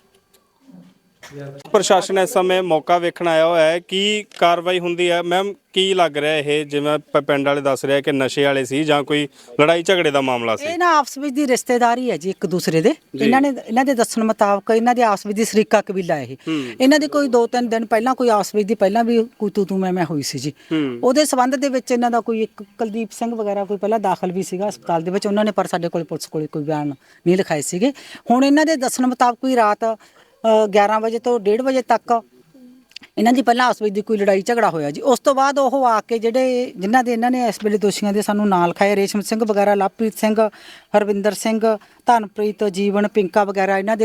Speaker 4: ਪ੍ਰਸ਼ਾਸਨ ਇਸ ਸਮੇਂ ਮੌਕਾ ਵੇਖਣ ਆਇਆ ਹੋਇਆ ਹੈ। ਕੀ ਕਾਰਵਾਈ ਹੁੰਦੀ ਹੈ ਮੈਮ? ਕੀ ਲੱਗ ਰਿਹਾ ਇਹ ਜਿਵੇਂ ਪ- ਪਿੰਡ ਵਾਲੇ ਦੱਸ ਰਿਹਾ ਕਿ ਨਸ਼ੇ ਵਾਲੇ ਸੀ ਜਾਂ ਕੋਈ ਲੜਾਈ ਝਗੜੇ ਦਾ ਮਾਮਲਾ ਸੀ?
Speaker 7: ਇਹ ਨਾ ਆਪਸ ਵਿੱਚ ਦੀ ਰਿਸ਼ਤੇਦਾਰੀ ਹੈ ਜੀ ਇੱਕ ਦੂਸਰੇ ਦੇ। ਇਹਨਾਂ ਨੇ ਇਹਨਾਂ ਦੇ ਦੱਸਣ ਮੁਤਾਬਕ ਇਹਨਾਂ ਦੇ ਆਪਸ ਵਿੱਚ ਦੀ ਸ਼ਰੀਕਾ ਕਬੀਲਾ ਇਹ। ਇਹਨਾਂ ਦੀ ਕੋਈ ਦੋ ਤਿੰਨ ਦਿਨ ਪਹਿਲਾਂ ਕੋਈ ਆਪਸ ਵਿੱਚ ਦੀ ਪਹਿਲਾਂ ਵੀ ਕੋਈ ਤੂੰ ਤੂੰ ਮੈਂ ਮੈਂ ਹੋਈ ਸੀ ਜੀ। ਉਹਦੇ ਸਬੰਧ ਦੇ ਵਿੱਚ ਇਹਨਾਂ ਦਾ ਕੋਈ ਇੱਕ ਕੁਲਦੀਪ ਸਿੰਘ ਵਗੈਰਾ ਕੋਈ ਪਹਿਲਾਂ ਦਾਖਲ ਵੀ ਸੀਗਾ ਹਸਪਤਾਲ ਦੇ ਵਿੱਚ। ਉਹਨਾਂ ਨੇ ਪਰ ਸਾਡੇ ਕੋਲ ਪੁਲਿਸ ਕੋਲ ਕੋਈ ਬਿਆਨ ਨਹੀਂ ਲਿਖਾਏ ਸੀਗੇ। ਹੁਣ ਇਹਨਾਂ ਦੇ ਦੱਸਣ ਮੁਤਾਬਕ ਕੋਈ ਰਾਤ ਗਿਆਰਾਂ ਵਜੇ ਤੋਂ ਡੇਢ ਵਜੇ ਤੱਕ ਇਹਨਾਂ ਦੀ ਪਹਿਲਾਂ ਆਪਸ ਵਿੱਚ ਦੀ ਕੋਈ ਲੜਾਈ ਝਗੜਾ ਹੋਇਆ ਜੀ। ਉਸ ਤੋਂ ਬਾਅਦ ਉਹ ਆ ਕੇ ਜਿਹੜੇ ਜਿਨ੍ਹਾਂ ਦੇ ਇਹਨਾਂ ਨੇ ਇਸ ਵੇਲੇ ਦੋਸ਼ੀਆਂ ਦੇ ਸਾਨੂੰ ਨਾਂ ਲਿਖਾਏ, ਰੇਸ਼ਮ ਸਿੰਘ ਵਗੈਰਾ, ਲਵਪ੍ਰੀਤ ਸਿੰਘ, ਹਰਵਿੰਦਰ ਸਿੰਘ, ਧਨਪ੍ਰੀਤ, ਜੀਵਨ, ਪਿੰਕਾ ਵਗੈਰਾ, ਇਹਨਾਂ ਦੇ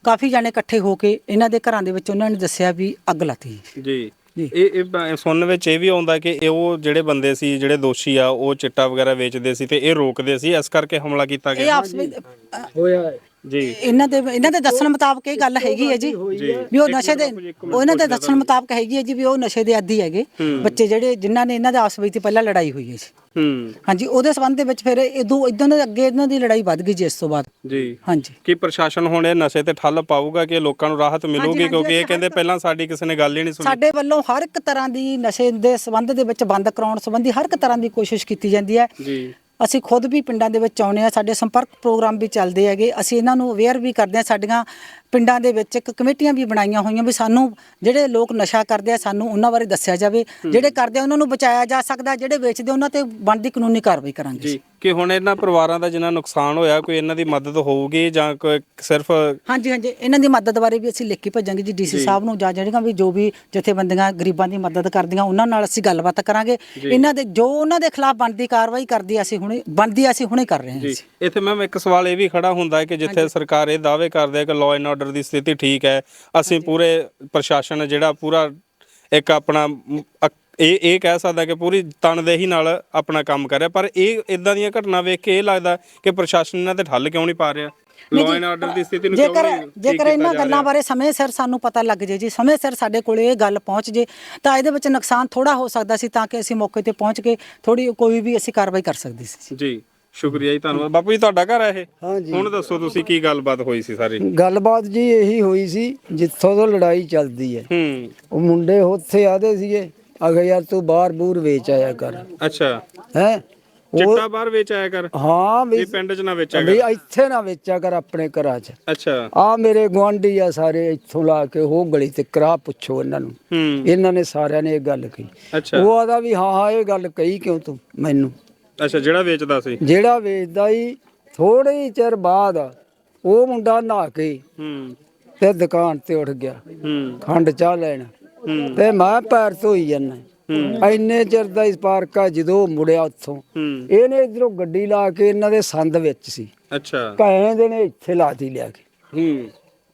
Speaker 7: ਕਾਫੀ ਜਾਣੇ ਇਕੱਠੇ ਹੋ ਕੇ ਇਹਨਾਂ ਦੇ ਘਰਾਂ ਦੇ ਵਿੱਚ ਉਹਨਾਂ ਨੇ ਦੱਸਿਆ ਵੀ ਅੱਗ ਲਾਤੀ
Speaker 4: ਜੀ ਇਹ ਇਹ ਬ- ਸੁਣਨ ਵਿੱਚ ਇਹ ਵੀ ਆਉਂਦਾ ਕਿ ਇਹ ਉਹ ਜਿਹੜੇ ਬੰਦੇ ਸੀ ਜਿਹੜੇ ਦੋਸ਼ੀ ਆ ਉਹ ਚਿੱਟਾ ਵਗੈਰਾ ਵੇਚਦੇ ਸੀ ਤੇ ਇਹ ਰੋਕਦੇ ਸੀ, ਇਸ ਕਰਕੇ ਹਮਲਾ ਕੀਤਾ
Speaker 7: ਇਹ
Speaker 4: ਗਿਆ
Speaker 7: ਆਪਸ ਵਿੱਚ ਅ,
Speaker 9: ਹੋਇਆ
Speaker 4: ਜੀ।
Speaker 7: ਇਹਨਾਂ ਦੇ ਇਹਨਾਂ ਦੇ ਦੱਸਣ ਮੁਤਾਬਕ ਇਹ ਗੱਲ ਹੈਗੀ ਹੈ ਜੀ ਵੀ ਉਹ ਨਸ਼ੇ ਦੇ ਉਹ ਇਹਨਾਂ ਦੇ ਦੱਸਣ ਮੁਤਾਬਕ ਹੈਗੀ ਹੈ ਜੀ ਵੀ ਉਹ ਨਸ਼ੇ ਦੇ ਆਦੀ ਹੈਗੇ ਬੱਚੇ ਜਿਹੜੇ ਜਿਨ੍ਹਾਂ ਨੇ ਇਹਨਾਂ ਦੇ ਆਪਸ ਵਿੱਚ ਪਹਿਲਾਂ ਲੜਾਈ ਹੋਈ ਹੈ ਜੀ।
Speaker 4: ਹੂੰ
Speaker 7: ਹਾਂਜੀ ਉਹਦੇ ਸੰਬੰਧ ਦੇ ਵਿੱਚ ਫਿਰ ਇਦੋਂ ਇਦਾਂ ਦੇ ਅੱਗੇ ਇਹਨਾਂ ਦੀ ਲੜਾਈ ਵੱਧ ਗਈ ਜੀ ਇਸ ਤੋਂ ਬਾਅਦ।
Speaker 4: ਜੀ
Speaker 7: ਹਾਂਜੀ
Speaker 4: ਕੀ ਪ੍ਰਸ਼ਾਸਨ ਹੁਣ ਇਹ ਨਸ਼ੇ ਤੇ ਠੱਲ ਪਾਊਗਾ ਕਿ ਲੋਕਾਂ ਨੂੰ ਰਾਹਤ ਮਿਲੂਗੀ, ਕਿਉਂਕਿ ਇਹ ਕਹਿੰਦੇ ਪਹਿਲਾਂ ਸਾਡੀ ਕਿਸੇ ਨੇ ਗੱਲ ਹੀ ਨਹੀਂ ਸੁਣੀ।
Speaker 7: ਸਾਡੇ ਵੱਲੋਂ ਹਰ ਇੱਕ ਤਰ੍ਹਾਂ ਦੀ ਨਸ਼ੇ ਦੇ ਸੰਬੰਧ ਦੇ ਵਿੱਚ ਬੰਦ ਕਰਾਉਣ ਸੰਬੰਧੀ ਹਰ ਇੱਕ ਤਰ੍ਹਾਂ ਦੀ ਕੋਸ਼ਿਸ਼ ਕੀਤੀ ਜਾਂਦੀ ਹੈ
Speaker 4: ਜੀ।
Speaker 7: ਅਸੀਂ ਖੁਦ ਵੀ ਪਿੰਡਾਂ ਦੇ ਵਿੱਚ ਆਉਂਦੇ ਆ, ਸਾਡੇ ਸੰਪਰਕ ਪ੍ਰੋਗਰਾਮ ਵੀ ਚੱਲਦੇ ਹੈਗੇ, ਅਸੀਂ ਇਹਨਾਂ ਨੂੰ ਅਵੇਅਰ ਵੀ ਕਰਦੇ ਆ। ਸਾਡੀਆਂ ਪਿੰਡਾਂ ਦੇ ਵਿੱਚ ਇੱਕ ਕਮੇਟੀਆਂ ਵੀ ਬਣਾਈਆਂ ਹੋਈਆਂ ਵੀ ਸਾਨੂੰ ਜਿਹੜੇ ਲੋਕ ਨਸ਼ਾ ਕਰਦੇ ਆ ਸਾਨੂੰ ਉਹਨਾਂ ਬਾਰੇ ਦੱਸਿਆ ਜਾਵੇ, ਜਿਹੜੇ ਕਰਦੇ ਆ ਉਹਨਾਂ ਨੂੰ ਬਚਾਇਆ ਜਾ ਸਕਦਾ, ਜਿਹੜੇ ਵੇਚਦੇ ਉਹਨਾਂ ਤੇ ਬਣਦੀ ਕਾਨੂੰਨੀ ਕਾਰਵਾਈ ਕਰਾਂਗੇ
Speaker 4: ਜੀ ਕਿ ਹੁਣ ਇਹਨਾਂ ਪਰਿਵਾਰਾਂ ਦਾ ਜਿਨ੍ਹਾਂ ਨੁਕਸਾਨ ਹੋਇਆ ਕੋਈ ਇਹਨਾਂ ਦੀ ਮਦਦ ਹੋਊਗੀ ਜਾਂ ਕੋਈ ਸਿਰਫ
Speaker 7: ਹਾਂਜੀ ਹਾਂਜੀ ਇਹਨਾਂ ਦੀ ਮਦਦ ਬਾਰੇ ਵੀ ਅਸੀਂ ਲਿਖ ਕੇ ਭੇਜਾਂਗੇ ਜੀ ਡੀਸੀ ਸਾਹਿਬ ਨੂੰ, ਜਾਂ ਜਿਹੜੀਆਂ ਵੀ ਜੋ ਵੀ ਜਥੇਬੰਦੀਆਂ ਗਰੀਬਾਂ ਦੀ ਮਦਦ ਕਰਦੀਆਂ ਉਹਨਾਂ ਨਾਲ ਅਸੀਂ ਗੱਲਬਾਤ ਕਰਾਂਗੇ। ਇਹਨਾਂ ਦੇ ਜੋ ਉਹਨਾਂ ਦੇ ਖਿਲਾਫ ਬਣਦੀ ਕਾਰਵਾਈ ਕਰਦੀ ਆ ਅਸੀਂ ਹੁਣੇ ਬਣਦੀ ਅਸੀਂ ਹੁਣੇ ਕਰ ਰਹੇ ਹਾਂ
Speaker 4: ਜੀ। ਇੱਥੇ ਮੈਮ ਇੱਕ ਸਵਾਲ ਇਹ ਵੀ ਖੜਾ ਹੁੰਦਾ ਹੈ ਕਿ ਜਿੱਥੇ ਸਰਕਾਰ ਇਹ ਦਾਅਵੇ ਕਰਦੇ ਹੈ ਕਿ ਲਾਅ ਐਂਡ ਆਰਡਰ ਦੀ ਸਥਿਤੀ ਠੀਕ ਹੈ, ਅਸੀਂ ਪੂਰੇ ਪ੍ਰਸ਼ਾਸਨ ਜਿਹੜਾ ਪੂਰਾ ਇੱਕ ਆਪਣਾ ਮ- ਅਕ- ਇਹ ਇਹ ਕਹਿ ਸਕਦਾ ਕਿ ਪੂਰੀ ਤਨਦੇਹੀ ਨਾਲ ਆਪਣਾ ਕੰਮ ਕਰ ਰਿਹਾ, ਪਰ ਇਹ ਇਦਾਂ ਦੀਆਂ ਘਟਨਾ ਵੇਖ ਕੇ ਇਹ ਲੱਗਦਾ ਕਿ ਪ੍ਰਸ਼ਾਸਨ ਇਹਨਾਂ ਤੇ ਠੱਲ ਕਿਉਂ ਨਹੀਂ ਪਾ ਰਿਹਾ, ਲਾਅ ਐਂਡ ਆਰਡਰ ਦੀ ਸਥਿਤੀ ਨੂੰ ਕਿਉਂ
Speaker 7: ਜੇਕਰ
Speaker 4: ਨਹੀਂ ਠੀਕ
Speaker 7: ਜੇਕਰ
Speaker 4: ਕੀਤਾ
Speaker 7: ਇਹਨਾਂ
Speaker 4: ਜਾ
Speaker 7: ਗੱਲਾਂ
Speaker 4: ਰਿਹਾ?
Speaker 7: ਬਾਰੇ ਸਮੇਂ ਸਿਰ ਸਾਨੂੰ ਪਤਾ ਲੱਗ ਜੇ ਜੀ, ਸਮੇਂ ਸਿਰ ਸਾਡੇ ਕੋਲੇ ਇਹ ਗੱਲ ਪਹੁੰਚ ਜੇ ਤਾਂ ਇਹਦੇ ਵਿੱਚ ਨੁਕਸਾਨ ਥੋੜਾ ਹੋ ਸਕਦਾ ਸੀ, ਤਾਂ ਕਿ ਅਸੀਂ ਮੌਕੇ ਤੇ ਪਹੁੰਚ ਕੇ ਥੋੜੀ ਕੋਈ ਵੀ ਅਸੀਂ ਕਾਰਵਾਈ ਕਰ ਸਕਦੇ ਸੀ।
Speaker 4: ਜੀ ਸ਼ੁਕਰੀਆ ਜੀ, ਧੰਨਵਾਦ। ਬਾਪੂ ਜੀ ਤੁਹਾਡਾ ਘਰ ਹੈ ਇਹ?
Speaker 2: ਹਾਂਜੀ।
Speaker 4: ਹੁਣ ਦੱਸੋ ਤੁਸੀਂ ਕੀ ਗੱਲਬਾਤ ਹੋਈ ਸੀ ਸਾਰੀ?
Speaker 2: ਗੱਲਬਾਤ ਜੀ ਇਹੀ ਹੋਈ ਸੀ ਜਿੱਥੋਂ ਤੋਂ ਲੜਾਈ ਚੱਲਦੀ ਹੈ।
Speaker 4: ਹੂੰ
Speaker 2: ਉਹ ਮੁੰਡੇ ਉੱਥੇ ਆਦੇ ਸੀਗੇ ਅਗੇ ਯਾਰ ਤੂੰ ਬਾਹਰ ਬੂਰ ਵੇਚ ਆਇਆ ਕਰ
Speaker 4: ਅੱਛਾ,
Speaker 2: ਹੈ
Speaker 4: ਚਿੱਟਾ ਬਾਹਰ ਵੇਚ ਆਇਆ ਕਰ,
Speaker 2: ਹਾਂ ਵੀ
Speaker 4: ਇਹ ਪਿੰਡ 'ਚ ਨਾ ਵੇਚਿਆ
Speaker 2: ਵੀ
Speaker 4: ਕਰ।
Speaker 2: ਇੱਥੇ ਨਾ ਵੇਚਿਆ ਕਰ ਆਪਣੇ ਘਰਾਂ 'ਚ।
Speaker 4: ਅੱਛਾ।
Speaker 2: ਆ ਮੇਰੇ ਗੁਆਂਢੀ ਆ ਸਾਰੇ ਇੱਥੋਂ ਲਾ ਕੇ ਉਹ ਗਲੀ ਤੇ ਕਰਾ ਪੁੱਛੋ ਇਹਨਾਂ ਨੂੰ,
Speaker 4: ਹੂੰ
Speaker 2: ਇਹਨਾਂ ਨੇ ਸਾਰਿਆਂ ਨੇ ਇਹ ਗੱਲ ਕਹੀ।
Speaker 4: ਅੱਛਾ
Speaker 2: ਉਹ ਆਦਾ ਵੀ ਹਾਂ ਹਾਂ ਇਹ ਗੱਲ ਕਹੀ ਕਿਉਂ ਤੂੰ ਮੈਨੂੰ?
Speaker 4: ਅੱਛਾ, ਜਿਹੜਾ ਵੇਚਦਾ ਸੀ।
Speaker 2: ਜਿਹੜਾ ਵੇਚਦਾ ਹੀ ਥੋੜੇ ਹੀ ਚਿਰ ਬਾਅਦ ਉਹ ਮੁੰਡਾ ਨਹਾ ਕੇ
Speaker 4: ਹੂੰ
Speaker 2: ਤੇ ਦੁਕਾਨ ਤੇ ਉੱਠ ਗਿਆ
Speaker 4: ਹੂੰ
Speaker 2: ਖੰਡ ਚਾਹ ਲੈਣ,
Speaker 4: ਹੂੰ
Speaker 2: ਤੇ ਮੈਂ ਪੈਰ ਧੋਈ ਜਾਂਦਾ। ਇੰਨੇ ਚਿਰ ਦਾ ਇਸ ਪਾਰਕਾ ਜਦੋਂ ਮੁੜਿਆ ਉੱਥੋਂ
Speaker 4: ਹੂੰ
Speaker 2: ਇਹਨੇ ਇਧਰੋਂ ਗੱਡੀ ਲਾ ਕੇ ਇਹਨਾਂ ਦੇ ਸੰਦ ਵਿੱਚ ਸੀ,
Speaker 4: ਅੱਛਾ।
Speaker 2: ਕਹਿੰਦੇ ਨੇ ਇੱਥੇ ਲਾਤੀ ਲਿਆ ਕੇ।
Speaker 4: ਹੂੰ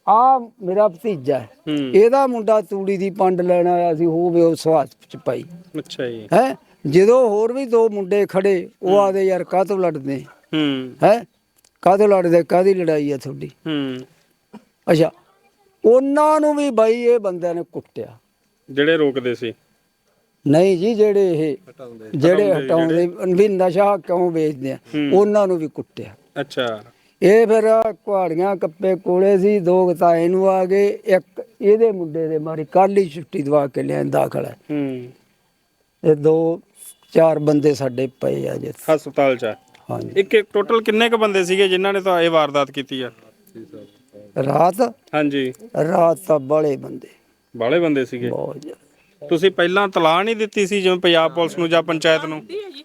Speaker 2: ਆ ਮੇਰਾ ਭਤੀਜਾ ਹੈ,
Speaker 4: ਹੂੰ
Speaker 2: ਇਹਦਾ ਮੁੰਡਾ ਤੂੜੀ ਦੀ ਪੰਡ ਲੈਣ ਆਇਆ ਸੀ, ਹੋਵੇ ਉਹ ਸਵਾਦ ਚ ਪਾਈ
Speaker 4: ਅੱਛਾ ਜੀ।
Speaker 2: ਹੈ। ਜਦੋਂ ਹੋਰ ਵੀ ਦੋ ਮੁੰਡੇ ਖੜੇ ਉਹ ਆਦੇ ਯਾਰ ਕਾਹਤੋਂ ਲੜਦੇ
Speaker 4: ਹੂੰ
Speaker 2: ਹੈ, ਕਾਹਤੋਂ ਲੜਦੇ, ਕਾਹਦੀ ਲੜਾਈ ਆ ਤੁਹਾਡੀ?
Speaker 4: ਹੂੰ
Speaker 2: ਅੱਛਾ, ਉਹਨਾਂ ਨੂੰ ਵੀ ਬਾਈ ਇਹ ਬੰਦਿਆਂ ਨੇ ਕੁੱਟਿਆ।
Speaker 4: ਜਿਹੜੇ ਰੋਕਦੇ ਸੀ?
Speaker 2: ਨਹੀਂ ਜੀ, ਜਿਹੜੇ ਇਹ ਜਿਹੜੇ ਹਟਾਉਂਦੇ ਵੀ ਨਸ਼ਾ ਕਿਉਂ ਵੇਚਦੇ ਆ ਉਹਨਾਂ ਨੂੰ ਵੀ ਕੁੱਟਿਆ।
Speaker 4: ਅੱਛਾ।
Speaker 2: ਇਹ ਫਿਰ ਕੁਹਾੜੀਆਂ ਕੱਪੇ ਕੋਲੇ ਸੀ, ਦੋ ਤਾਂ ਇਹਨੂੰ ਆ ਗਏ, ਇੱਕ ਇਹਦੇ ਮੁੰਡੇ ਦੇ ਮਾਰੀ ਕੱਲ ਹੀ ਛੁੱਟੀ ਦਵਾ ਕੇ ਲਿਆ ਦਾਖਲ ਹੈ।
Speaker 4: ਹੂੰ
Speaker 2: ਇਹ ਦੋ ਚਾਰ ਬੰਦੇ ਸਾਡੇ ਪਏ ਆ ਜੀ
Speaker 4: ਹਸਪਤਾਲ 'ਚ?
Speaker 2: ਹਾਂਜੀ।
Speaker 4: ਇੱਕ ਇੱਕ ਟੋਟਲ ਕਿੰਨੇ ਕ ਬੰਦੇ ਸੀਗੇ ਜਿਨ੍ਹਾਂ ਨੇ ਤਾਂ ਇਹ ਵਾਰਦਾਤ ਕੀਤੀ ਆ
Speaker 2: ਰਾਤ?
Speaker 4: ਹਾਂਜੀ,
Speaker 2: ਰਾਤ ਤਾਂ ਬੜੇ ਬੰਦੇ,
Speaker 4: ਬਾਲੇ ਬੰਦੇ ਸੀਗੇ।
Speaker 2: ਬਹੁਤ ਜ਼ਿਆਦਾ।
Speaker 4: ਤੁਸੀਂ ਪਹਿਲਾਂ ਤਲਾਹ ਨਹੀਂ ਦਿੱਤੀ ਸੀ ਜਿਵੇਂ ਪੰਜਾਬ ਪੁਲਿਸ ਨੂੰ ਜਾਂ ਪੰਚਾਇਤ ਨੂੰ?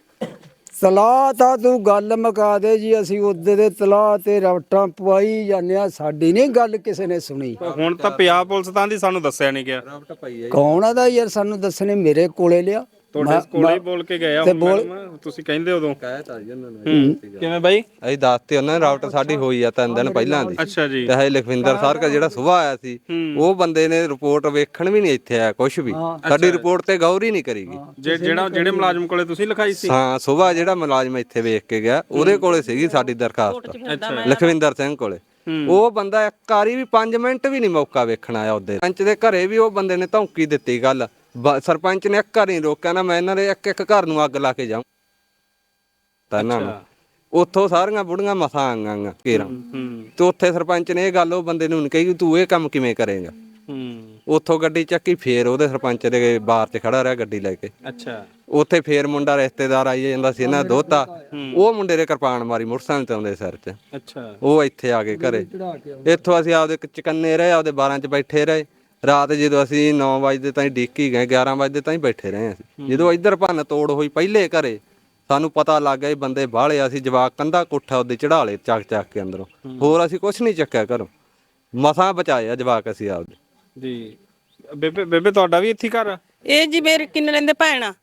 Speaker 2: ਤਲਾਹ ਤਾਂ ਤੂੰ ਗੱਲ ਮੁਕਾ ਦੇ ਜੀ, ਅਸੀਂ ਉਹਦੇ ਦੇ ਤਲਾਹ ਤੇ ਰਵਟਾਂ ਪਵਾਈ ਜਾਂਦੇ ਆ, ਸਾਡੀ ਨਹੀਂ ਗੱਲ ਕਿਸੇ ਨੇ ਸੁਣੀ।
Speaker 4: ਹੁਣ ਤਾਂ ਪੰਜਾਬ ਪੁਲਿਸ ਤਾਂ ਦੀ ਸਾਨੂੰ ਦੱਸਿਆ ਨਹੀਂ ਗਿਆ।
Speaker 2: ਕੌਣ ਆਦਾ ਯਾਰ ਸਾਨੂੰ ਦੱਸਣੇ, ਮੇਰੇ ਕੋਲੇ ਲਿਆ
Speaker 4: ਤੁਹਾਡੇ ਕੋਲੇ ਹੀ ਬੋਲ ਕੇ ਗਏ ਆ ਹੁਣ ਮੈਡਮ, ਤੁਸੀਂ ਕਹਿੰਦੇ ਉਦੋਂ ਕਹਿਤਾ ਜੀ ਉਹਨਾਂ ਨੂੰ। ਕਿਵੇਂ ਬਾਈ?
Speaker 5: ਅਸੀਂ ਦੱਸਤੇ ਉਹਨਾਂ ਨੇ ਰਾਊਟ ਸਾਡੀ ਹੋਈ ਆ ਤਿੰਨ ਦਿਨ ਪਹਿਲਾਂ ਦੀ।
Speaker 4: ਅੱਛਾ ਜੀ।
Speaker 5: ਤੇ ਹੈ ਲਖਵਿੰਦਰ ਸਰ ਜਿਹੜਾ ਸੁਬਾਹ ਆਇਆ ਸੀ ਉਹ ਬੰਦੇ ਨੇ ਰਿਪੋਰਟ ਵੇਖਣ ਵੀ ਨਹੀਂ ਇੱਥੇ ਆਇਆ ਕੁਝ ਵੀ, ਸਾਡੀ ਰਿਪੋਰਟ ਤੇ ਗੌਰ ਹੀ ਨਹੀਂ ਕਰੀਗੀ।
Speaker 4: ਜਿਹੜਾ ਜਿਹੜੇ ਮੁਲਾਜ਼ਮ ਕੋਲੇ ਤੁਸੀਂ ਲਿਖਾਈ ਸੀ?
Speaker 5: ਹਾਂ, ਸੁਬਾਹ ਜਿਹੜਾ ਮੁਲਾਜ਼ਮ ਇੱਥੇ ਵੇਖ ਕੇ ਗਿਆ ਉਹਦੇ ਕੋਲੇ ਸੀਗੀ ਸਾਡੀ ਦਰਖਾਸਤ, ਲਖਵਿੰਦਰ ਸਿੰਘ ਕੋਲੇ। ਉਹ ਬੰਦਾ ਇੱਕ ਵਾਰੀ ਵੀ ਪੰਜ ਮਿੰਟ ਵੀ ਨਹੀਂ ਮੌਕਾ ਵੇਖਣ ਆਇਆ। ਉਹਦੇ ਪੰਚ ਦੇ ਘਰੇ ਵੀ ਉਹ ਬੰਦੇ ਨੇ ਧਮਕੀ ਦਿੱਤੀ ਗੱਲ, ਸਰਪੰਚ ਨੇ ਇੱਕ ਘਰ ਨਹੀਂ ਰੋਕਿਆ ਨਾ, ਮੈਂ ਇਹਨਾਂ ਦੇ ਇੱਕ ਇੱਕ ਘਰ ਨੂੰ ਅੱਗ ਲਾ ਕੇ ਜਾਊਂ ਤਾਂ ਇਹਨਾਂ ਨੂੰ। ਉੱਥੋਂ ਸਾਰੀਆਂ ਬੁੜੀਆਂ ਮਸਾਂ ਆਂਗਾਂ ਘੇਰਾਂ, ਤੇ ਉੱਥੇ ਸਰਪੰਚ ਨੇ ਇਹ ਗੱਲ ਉਹ ਬੰਦੇ ਨੂੰ ਨਹੀਂ ਕਹੀ ਤੂੰ ਇਹ ਕੰਮ ਕਿਵੇਂ ਕਰੇਗਾ। ਉੱਥੋਂ ਗੱਡੀ ਚੱਕੀ, ਫੇਰ ਉਹਦੇ ਸਰਪੰਚ ਦੇ ਬਾਰ 'ਚ ਖੜਾ ਰਿਹਾ ਗੱਡੀ ਲੈ ਕੇ।
Speaker 4: ਅੱਛਾ।
Speaker 5: ਉੱਥੇ ਫੇਰ ਮੁੰਡਾ ਰਿਸ਼ਤੇਦਾਰ ਆਈ ਜਾਂਦਾ ਸੀ ਇਹਨਾਂ ਦੋਤਾ, ਉਹ ਮੁੰਡੇ ਦੇ ਕਿਰਪਾਨ ਮਾਰੀ ਮੋਟਰਸਾਈਕਲ ਤੇ ਆਉਂਦੇ ਸਿਰ 'ਚ।
Speaker 4: ਅੱਛਾ।
Speaker 5: ਉਹ ਇੱਥੇ ਆ ਕੇ ਘਰੇ, ਇੱਥੋਂ ਅਸੀਂ ਆਪਦੇ ਚਕੰਨੇ ਰਹੇ, ਆਪਦੇ ਬਾਰਾਂ 'ਚ ਬੈਠੇ ਰਹੇ। ਰਾਤ ਜਦੋਂ ਅਸੀਂ ਨੌ ਵਜੇ ਤਾਈਂ ਡੀਕੀ ਗਏ, ਗਿਆਰਾਂ ਵਜੇ ਤਾਈਂ ਬੈਠੇ ਰਹੇ ਅਸੀਂ। ਜਦੋਂ ਇੱਧਰ ਭੰਨ ਤੋੜ ਹੋਈ ਪਹਿਲੇ ਘਰੇ, ਸਾਨੂੰ ਪਤਾ ਲੱਗ ਗਿਆ ਬੰਦੇ ਬਾਹਲੇ, ਅਸੀਂ ਜਵਾਕ ਕੰਧਾ ਕੋਠਾ ਉਹਦੇ ਚੜਾ ਲਏ ਚੱਕ ਚੱਕ ਕੇ ਅੰਦਰੋਂ, ਹੋਰ ਅਸੀਂ ਕੁਝ ਨਹੀਂ ਚੱਕਿਆ ਘਰੋਂ, ਮਸਾਂ ਬਚਾਏ ਆ ਜਵਾਕ ਅਸੀਂ ਆਪਦੇ।
Speaker 4: ਜੀ। ਬੇਬੇ ਬੇਬੇ ਤੁਹਾਡਾ ਵੀ ਇੱਥੇ ਘਰ ਆ?
Speaker 11: ਇਹ ਜੀ ਮੇਰੇ ਕਿੰਨੇ ਲੈਂਦੇ ਭੈਣ ਆ,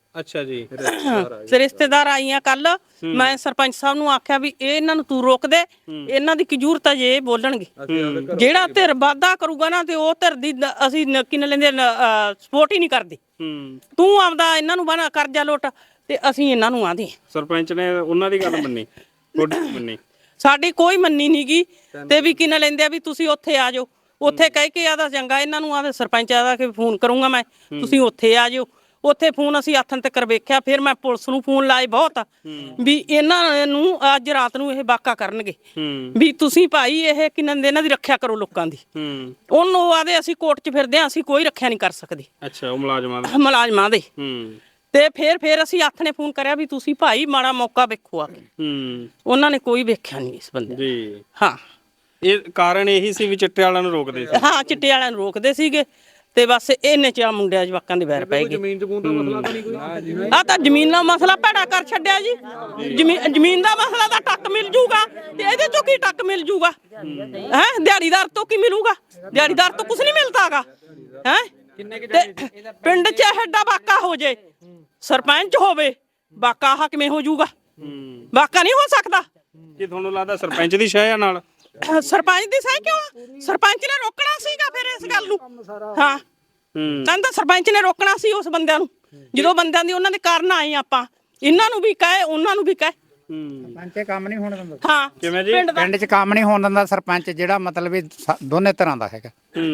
Speaker 4: ਅੱਛਾ ਜੀ
Speaker 11: ਤੇ ਰਿਸ਼ਤੇਦਾਰ ਆਈਆਂ ਕੱਲ ਮੈਂ ਸਰਪੰਚ ਸਾਹਿਬ ਨੂੰ ਆਖਿਆ ਵੀ ਇਹ ਇਹਨਾਂ ਨੂੰ ਤੂੰ ਰੋਕ ਦੇ, ਇਹਨਾਂ ਦੀ ਕੀ ਜ਼ਰੂਰਤ ਹੈ ਜੇ ਇਹ ਬੋਲਣਗੇ। ਜਿਹੜਾ ਧਿਰ ਵਾਧਾ ਕਰੂਗਾ ਨਾ ਤੇ ਉਹ ਧਿਰ ਦੀ ਨ- ਅਸੀਂ ਨ- ਕੀ ਨਾਂ ਲੈਂਦੇ ਸਪੋਰਟ ਹੀ ਨਹੀਂ ਕਰਦੇ। ਤੂੰ ਆਪਦਾ ਇਹਨਾਂ ਨੂੰ ਬਣਾ ਕਰਜ਼ਾ ਲੁੱਟ ਤੇ ਅਸੀਂ ਇਹਨਾਂ ਨੂੰ ਆਂਦੇ
Speaker 4: ਸਰਪੰਚ ਨੇ ਉਹਨਾਂ ਦੀ ਗੱਲ ਮੰਨੀ, ਤੁਹਾਡੀ ਨਹੀਂ ਮੰਨੀ।
Speaker 11: ਸਾਡੀ ਕੋਈ ਮੰਨੀ ਨੀ ਗੀ ਤੇ ਵੀ ਕੀ ਨਾਂ ਲੈਂਦੇ ਆ ਵੀ ਤੁਸੀਂ ਉੱਥੇ ਆ ਜਾਓ। ਉੱਥੇ ਕਹਿ ਕੇ ਆਦਾ ਚੰਗਾ ਇਹਨਾਂ ਨੂੰ ਆਦੇ ਸਰਪੰਚ ਆਦਾ ਕਿ ਫੋਨ ਕਰੂੰਗਾ ਮੈਂ, ਤੁਸੀਂ ਉੱਥੇ ਆ ਜਾਓ। ਉੱਥੇ ਫੋਨ ਅਸੀਂ ਆਥਣ ਤੱਕ ਵੇਖਿਆ, ਫਿਰ ਮੈਂ ਪੁਲਿਸ ਨੂੰ ਫੋਨ ਲਾਏ ਬਹੁਤ ਵੀ ਇਹਨਾਂ ਨੂੰ ਅੱਜ ਰਾਤ ਨੂੰ ਇਹ ਵਾਕਾ ਕਰਨਗੇ ਵੀ ਤੁਸੀਂ ਭਾਈ ਇਹ ਕਿਨਾਂ ਦੇ ਇਹਨਾਂ ਦੀ ਰੱਖਿਆ ਕਰੋ ਲੋਕਾਂ ਦੀ। ਉਹਨੂੰ ਆਦੇ ਅਸੀਂ ਕੋਰਟ 'ਚ ਫਿਰਦੇ ਆ, ਅਸੀਂ ਕੋਈ ਰੱਖਿਆ ਨਹੀਂ ਕਰ ਸਕਦੇ।
Speaker 4: ਅੱਛਾ ਉਹ ਮੁਲਾਜ਼ਮਾਂ ਦੇ
Speaker 11: ਮੁਲਾਜ਼ਮਾਂ ਦੇ ਤੇ ਫਿਰ ਫਿਰ ਅਸੀਂ ਹੱਥ ਨੇ ਫੋਨ ਕਰਿਆ ਵੀ ਤੁਸੀਂ ਭਾਈ ਮਾੜਾ ਮੌਕਾ ਵੇਖੋ ਆ ਕੇ। ਉਹਨਾਂ ਨੇ ਕੋਈ ਵੇਖਿਆ ਨਹੀਂ ਇਸ ਬੰਦੇ
Speaker 4: ਜੀ।
Speaker 11: ਹਾਂ
Speaker 4: ਇਹ ਕਾਰਨ ਇਹੀ ਸੀ ਵੀ ਚਿੱਟੇ ਵਾਲਿਆਂ ਨੂੰ ਰੋਕਦੇ ਸੀ।
Speaker 11: ਹਾਂ ਚਿੱਟੇ ਵਾਲਿਆਂ ਨੂੰ ਰੋਕਦੇ ਸੀਗੇ ਤੇ ਬਸ ਇਹਨੇ ਚ ਆ ਮੁੰਡਿਆਂ ਜਵਾਕਾਂ ਦੇ ਵੈਰ ਪੈ ਗਏ।
Speaker 5: ਜ਼ਮੀਨ ਜਮੂਨ ਦਾ ਮਸਲਾ ਤਾਂ ਨਹੀਂ ਕੋਈ?
Speaker 11: ਆ ਤਾਂ ਜ਼ਮੀਨ ਦਾ ਮਸਲਾ ਭੈੜਾ ਕਰ ਛੱਡਿਆ ਜੀ। ਜ਼ਮੀਨ ਜ਼ਮੀਨ ਦਾ ਮਸਲਾ ਤਾਂ ਟੱਕ ਮਿਲ ਜੂਗਾ ਤੇ ਇਹਦੇ ਚੋਂ ਕੀ ਟੱਕ ਮਿਲ ਜੂਗਾ? ਹੈ ਦਿਹਾੜੀਦਾਰ ਤੋਂ ਕੀ ਮਿਲੂਗਾ? ਦਿਹਾੜੀਦਾਰ ਤੋਂ ਕੁਝ ਨਹੀਂ ਮਿਲਦਾਗਾ। ਹੈ ਤੇ ਪਿੰਡ 'ਚ ਐਡਾ ਵਾਕਾ ਹੋ ਜੇ, ਸਰਪੰਚ ਹੋਵੇ ਵਾਕਾ ਆਹ ਕਿਵੇਂ ਹੋ ਜੂਗਾ? ਵਾਕਾ ਨਹੀਂ ਹੋ ਸਕਦਾ।
Speaker 4: ਕੀ ਤੁਹਾਨੂੰ ਲੱਗਦਾ ਸਰਪੰਚ ਦੀ ਸ਼ਹਿ ਆ ਨਾਲ?
Speaker 11: ਸਰਪੰਚ ਦੀ ਸਹੀ ਕਿਉਂ? ਸਰਪੰਚ ਨੇ ਰੋਕਣਾ ਸੀਗਾ ਫਿਰ ਇਸ ਗੱਲ ਨੂੰ। ਹਾਂ ਕਹਿੰਦਾ ਸਰਪੰਚ ਨੇ ਰੋਕਣਾ ਸੀ ਉਸ ਬੰਦਿਆਂ ਨੂੰ, ਜਦੋਂ ਬੰਦਿਆਂ ਦੀ ਉਹਨਾਂ ਦੇ ਕਾਰਨ ਆਏ ਆਪਾਂ। ਇਹਨਾਂ ਨੂੰ ਵੀ ਕਹੇ ਉਹਨਾਂ ਨੂੰ ਵੀ ਕਹੇ
Speaker 1: ਸਰਪੰਚ ਕੰਮ ਨਹੀਂ ਹੋਣ ਦਿੰਦਾ।
Speaker 11: ਹਾਂ
Speaker 4: ਕਿਵੇਂ ਜੀ?
Speaker 1: ਪਿੰਡ 'ਚ ਕੰਮ ਨਹੀਂ ਹੋਣ ਦਿੰਦਾ ਸਰਪੰਚ, ਜਿਹੜਾ ਮਤਲਬ ਵੀ ਸ- ਦੋਨੇ ਤਰ੍ਹਾਂ ਦਾ ਹੈਗਾ।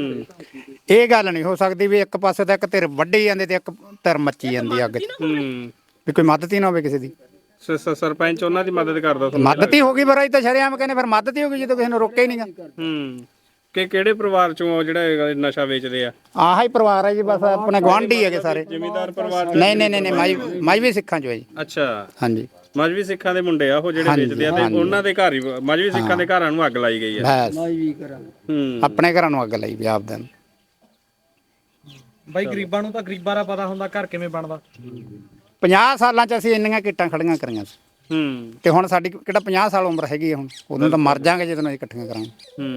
Speaker 1: ਇਹ ਗੱਲ ਨਹੀਂ ਹੋ ਸਕਦੀ ਵੀ ਇੱਕ ਪਾਸੇ ਤਾਂ ਇੱਕ ਧਿਰ ਵੱਢੀ ਜਾਂਦੀ ਤੇ ਇੱਕ ਧਿਰ ਮੱਚੀ ਜਾਂਦੀ ਅੱਗ 'ਚ, ਵੀ ਕੋਈ ਮਦਦ ਹੀ ਨਾ ਹੋਵੇ ਕਿਸੇ ਦੀ।
Speaker 4: ਸ- ਸ- ਸਰਪੰਚ ਉਹਨਾਂ ਦੀ ਮਦਦ ਕਰਦਾ ਤੁਹਾਨੂੰ?
Speaker 1: ਮਦਦ ਹੀ ਹੋ ਗਈ ਬਰਾਈ ਤਾਂ ਸ਼ਰੇਆਮ ਕਹਿੰਦੇ, ਫਿਰ ਮਦਦ ਹੀ ਹੋ ਗਈ ਜਦੋਂ ਕਿਸੇ ਨੂੰ ਰੋਕਿਆ ਹੀ ਨਹੀਂਗਾ।
Speaker 4: ਹੂੰ ਕਿ ਕਿਹੜੇ ਪਰਿਵਾਰ ਚੋਂ ਆ ਜਿਹੜਾ ਇਹ ਨਸ਼ਾ ਵੇਚਦੇ ਆ?
Speaker 1: ਆਹ ਹੀ ਪਰਿਵਾਰ ਹੈ ਜੀ, ਬਸ ਆਪਣੇ ਗੁਆਂਢੀ ਹੈਗੇ ਸਾਰੇ।
Speaker 4: ਜ਼ਿਮੀਂਦਾਰ ਪਰਿਵਾਰ ਚੋਂ?
Speaker 1: ਨਹੀਂ ਨਹੀਂ ਨਹੀਂ ਮਾਈ ਮਾਈਵੀ ਸਿੱਖਾਂ ਚੋਂ ਹੈ ਜੀ।
Speaker 4: ਅੱਛਾ
Speaker 1: ਹਾਂਜੀ
Speaker 4: ਮਜਬੀ ਸਿੱਖਾਂ ਦੇ ਮੁੰਡੇ ਆ ਉਹ ਜਿਹੜੇ ਵੇਚਦੇ ਆ ਤੇ ਉਹਨਾਂ ਦੇ ਘਰ ਹੀ ਮਜਬੀ ਸਿੱਖਾਂ ਦੇ ਘਰਾਂ ਨੂੰ ਅੱਗ ਲਾਈ ਗਈ ਆ।
Speaker 1: ਬਸ
Speaker 4: ਹੂੰ
Speaker 1: ਆਪਣੇ ਘਰਾਂ ਨੂੰ ਅੱਗ ਲਾਈ ਵੀ ਆਪਦੇ ਨੂੰ।
Speaker 9: ਬਾਈ ਗਰੀਬਾਂ ਨੂੰ ਤਾਂ ਗਰੀਬਾਂ ਦਾ ਪਤਾ ਹੁੰਦਾ ਘਰ ਕਿਵੇਂ ਬਣਦਾ।
Speaker 1: ਪੰਜਾਹ ਸਾਲਾਂ 'ਚ ਅਸੀਂ ਇੰਨੀਆਂ ਕਿੱਟਾਂ ਖੜੀਆਂ ਕਰੀਆਂ ਸੀ
Speaker 4: ਹੂੰ
Speaker 1: ਤੇ ਹੁਣ ਸਾਡੀ ਕਿਹੜਾ ਪੰਜਾਹ ਸਾਲ ਉਮਰ ਹੈਗੀ ਆ ਹੁਣ, ਉਦੋਂ ਤਾਂ ਮਰ ਜਾਾਂਗੇ ਜਦੋਂ ਅਸੀਂ ਇਕੱਠੀਆਂ ਕਰਾਂਗੇ।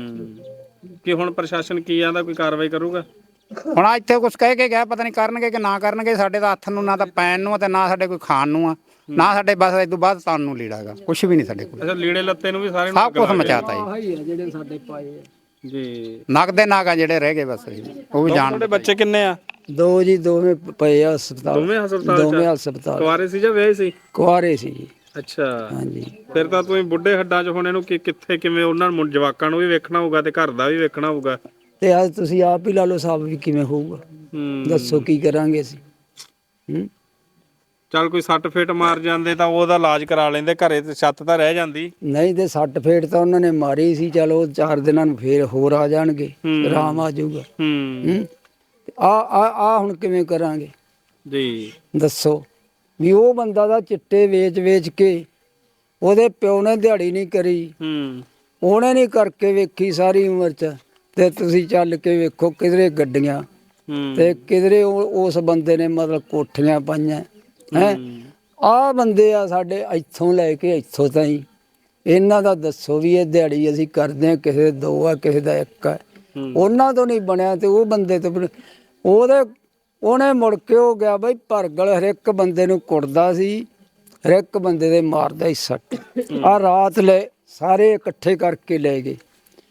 Speaker 4: ਹੂੰ ਕਿ ਹੁਣ ਪ੍ਰਸ਼ਾਸਨ ਕੀ ਆਂਦਾ, ਕੋਈ ਕਾਰਵਾਈ ਕਰੂਗਾ?
Speaker 1: ਹੁਣ ਆ ਇੱਥੇ ਕੁਝ ਕਹਿ ਕੇ ਗਿਆ, ਪਤਾ ਨਹੀਂ ਕਰਨਗੇ ਕਿ ਨਾ ਕਰਨਗੇ। ਸਾਡੇ ਤਾਂ ਹੱਥ ਨੂੰ ਨਾ ਤਾਂ ਪੈਣ ਨੂੰ ਆ ਤੇ ਨਾ ਸਾਡੇ ਕੋਈ ਖਾਣ ਨੂੰ ਆ, ਨਾ ਸਾਡੇ ਬਸ ਇਸ ਤੋਂ ਬਾਅਦ ਤਾਨ ਨੂੰ ਲੀੜਾਗਾ, ਕੁਝ ਵੀ ਨਹੀਂ ਸਾਡੇ ਕੋਲ।
Speaker 4: ਅੱਛਾ ਲੀੜੇ ਲੱਤੇ ਨੂੰ ਵੀ ਸਾਰੇ ਨੂੰ
Speaker 1: ਸਭ ਕੁਝ ਮਚਾਤਾ ਜੀ।
Speaker 2: ਜਿਹੜੇ ਸਾਡੇ ਪਾਏ
Speaker 4: ਜੀ।
Speaker 1: ਨਗ ਦੇ ਨਾਗਾ ਜਿਹੜੇ ਰਹਿ ਗਏ ਬਸ ਉਹ ਵੀ ਜਾਣ।
Speaker 4: ਤੁਹਾਡੇ ਬੱਚੇ ਕਿੰਨੇ ਆ?
Speaker 2: ਦੋ ਜੀ, ਦੋਵੇਂ ਪਏ ਆ ਹਸਪਤਾਲ।
Speaker 4: ਦੋਵੇਂ ਹਸਪਤਾਲ?
Speaker 2: ਦੋਵੇਂ ਹਸਪਤਾਲ।
Speaker 4: ਕੁਆਰੇ ਸੀ ਜਾਂ ਵਿਆਹੇ ਸੀ?
Speaker 2: ਕੁਆਰੇ ਸੀ ਜੀ।
Speaker 4: ਅੱਛਾ
Speaker 2: ਹਾਂਜੀ।
Speaker 4: ਫਿਰ ਤਾਂ ਤੁਸੀਂ ਬੁੱਢੇ ਹੱਡਾਂ 'ਚ ਹੁਣ ਇਹਨੂੰ ਕਿ ਕਿੱਥੇ ਕਿਵੇਂ ਉਹਨਾਂ ਨੂੰ ਜਵਾਕਾਂ ਨੂੰ ਵੀ ਵੇਖਣਾ ਹੋਊਗਾ ਤੇ ਘਰ ਦਾ ਵੀ ਵੇਖਣਾ ਹੋਊਗਾ।
Speaker 2: ਤੇ ਅੱਜ ਤੁਸੀਂ ਆਪ ਹੀ ਲਾ ਲਓ ਸਾਹਿਬ ਵੀ ਕਿਵੇਂ ਹੋਊਗਾ।
Speaker 4: ਹੂੰ
Speaker 2: ਦੱਸੋ ਕੀ ਕਰਾਂਗੇ ਅਸੀਂ। ਹੂੰ
Speaker 4: ਚੱਲ ਕੋਈ ਸੱਟ ਫੇਟ ਮਾਰ ਜਾਂਦੇ ਤਾਂ ਉਹਦਾ ਇਲਾਜ ਕਰਾ ਲੈਂਦੇ, ਘਰੇ ਤੇ ਛੱਤ ਤਾਂ ਰਹਿ ਜਾਂਦੀ।
Speaker 2: ਨਹੀਂ ਤੇ ਸੱਟ ਫੇਟ ਤਾਂ ਉਹਨਾਂ ਨੇ ਮਾਰੀ ਸੀ, ਚਲੋ ਚਾਰ ਦਿਨਾਂ ਨੂੰ ਫੇਰ ਹੋਰ ਆ ਜਾਣਗੇ, ਆਰਾਮ ਆ ਜਾਊਗਾ।
Speaker 4: ਹੂੰ
Speaker 2: ਆ ਆ ਆ ਹੁਣ ਕਿਵੇਂ ਕਰਾਂਗੇ
Speaker 4: ਜੀ
Speaker 2: ਦੱਸੋ ਵੀ ਉਹ ਬੰਦਾ ਦਾ ਚਿੱਟੇ ਵੇਚ ਵੇਚ ਕੇ ਉਹਦੇ ਪਿਓ ਨੇ ਦਿਹਾੜੀ ਨਹੀਂ ਕਰੀ,
Speaker 4: ਹੂੰ
Speaker 2: ਉਹਨੇ ਨਹੀਂ ਕਰਕੇ ਵੇਖੀ ਸਾਰੀ ਉਮਰ ਚ। ਤੇ ਤੁਸੀਂ ਚੱਲ ਕੇ ਵੇਖੋ ਕਿਧਰੇ ਗੱਡੀਆਂ ਤੇ ਕਿਧਰੇ ਉਸ ਬੰਦੇ ਨੇ ਮਤਲਬ ਕੋਠੀਆਂ ਪਾਈਆਂ ਹੈ। ਆਹ ਬੰਦੇ ਆ ਸਾਡੇ ਇੱਥੋਂ ਲੈ ਕੇ ਇੱਥੋਂ ਤਾਈਂ, ਇਹਨਾਂ ਦਾ ਦੱਸੋ ਵੀ ਇਹ ਦਿਹਾੜੀ ਅਸੀਂ ਕਰਦੇ ਆ, ਕਿਸੇ ਦੇ ਦੋ ਆ ਕਿਸੇ ਦਾ ਇੱਕ ਆ। ਉਹਨਾਂ ਤੋਂ ਨਹੀਂ ਬਣਿਆ ਤੇ ਉਹ ਬੰਦੇ ਤੋਂ ਬਣ- ਉਹਦੇ ਉਹਨੇ ਮੁੜ ਕੇ ਹੋ ਗਿਆ ਬਈ ਭਰਗਲ ਹਰ ਇੱਕ ਬੰਦੇ ਨੂੰ ਕੁੱਟਦਾ ਸੀ, ਹਰ ਇੱਕ ਬੰਦੇ ਦੇ ਮਾਰਦਾ ਸੀ ਸੱਟ। ਆ ਰਾਤ ਲੈ ਸਾਰੇ ਇਕੱਠੇ ਕਰਕੇ ਲੈ ਗਏ।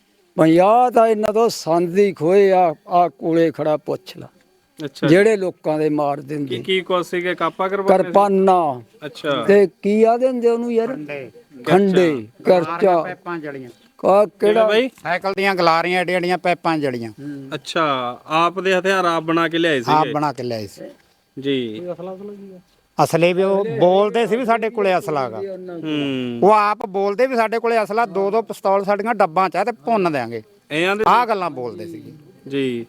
Speaker 2: ਪੰਜਾਹ ਤਾਂ ਇਹਨਾਂ ਤੋਂ ਸੰਦ ਹੀ ਖੋਏ ਆ। ਆ ਕੋਲੇ ਖੜਾ ਪੁੱਛ ਲਾ
Speaker 4: ਅੱਛਾ
Speaker 2: ਜਿਹੜੇ ਲੋਕਾਂ ਦੇ ਮਾਰ ਦਿੰਦੇ
Speaker 4: ਕੀ ਕੀ ਕੁਛ ਸੀਗੇ? ਕਾਪਾ ਕਰਵਾਉਂਦੇ ਸੀ?
Speaker 2: ਕਿਰਪਾਨਾਂ
Speaker 4: ਅੱਛਾ
Speaker 2: ਤੇ ਕੀ ਆ ਦਿੰਦੇ ਉਹਨੂੰ ਯਾਰ, ਖੰਡੇ ਕਰਚਾ
Speaker 1: ਪੈਪਾਂ ਜਲੀਆਂ,
Speaker 2: ਕਾ ਕਿਹੜਾ
Speaker 4: ਬਈ
Speaker 1: ਸਾਈਕਲ ਦੀਆਂ ਗਲਾਰੀਆਂ ਏਡੀਆਂ ਏਡੀਆਂ ਪੈਪਾਂ ਜਲੀਆਂ।
Speaker 4: ਅੱਛਾ ਆਪ ਦੇ ਹਥਿਆਰ ਆਪ ਬਣਾ ਕੇ ਲਿਆਏ
Speaker 1: ਆਪ
Speaker 4: ਸੀਗੇ
Speaker 1: ਬਣਾ ਕੇ ਲਿਆਏ ਸੀ
Speaker 4: ਜੀ।
Speaker 1: ਅਸਲੇ ਵੀ ਉਹ ਬੋਲਦੇ ਸੀ ਵੀ ਸਾਡੇ ਕੋਲੇ ਅਸਲਾ ਹੈਗਾ।
Speaker 4: ਹੂੰ
Speaker 1: ਉਹ ਆਪ ਬੋਲਦੇ ਵੀ ਸਾਡੇ ਕੋਲੇ ਅਸਲਾ, ਦੋ ਦੋ ਪਿਸਤੌਲ ਸਾਡੀਆਂ ਡੱਬਾਂ 'ਚ ਆ ਤੇ ਭੁੰਨ ਦਿਆਂਗੇ।
Speaker 4: ਇਹਨਾਂ ਦੇ
Speaker 1: ਆਹ ਗੱਲਾਂ ਬੋਲਦੇ ਸੀਗੇ
Speaker 4: ਜੀ।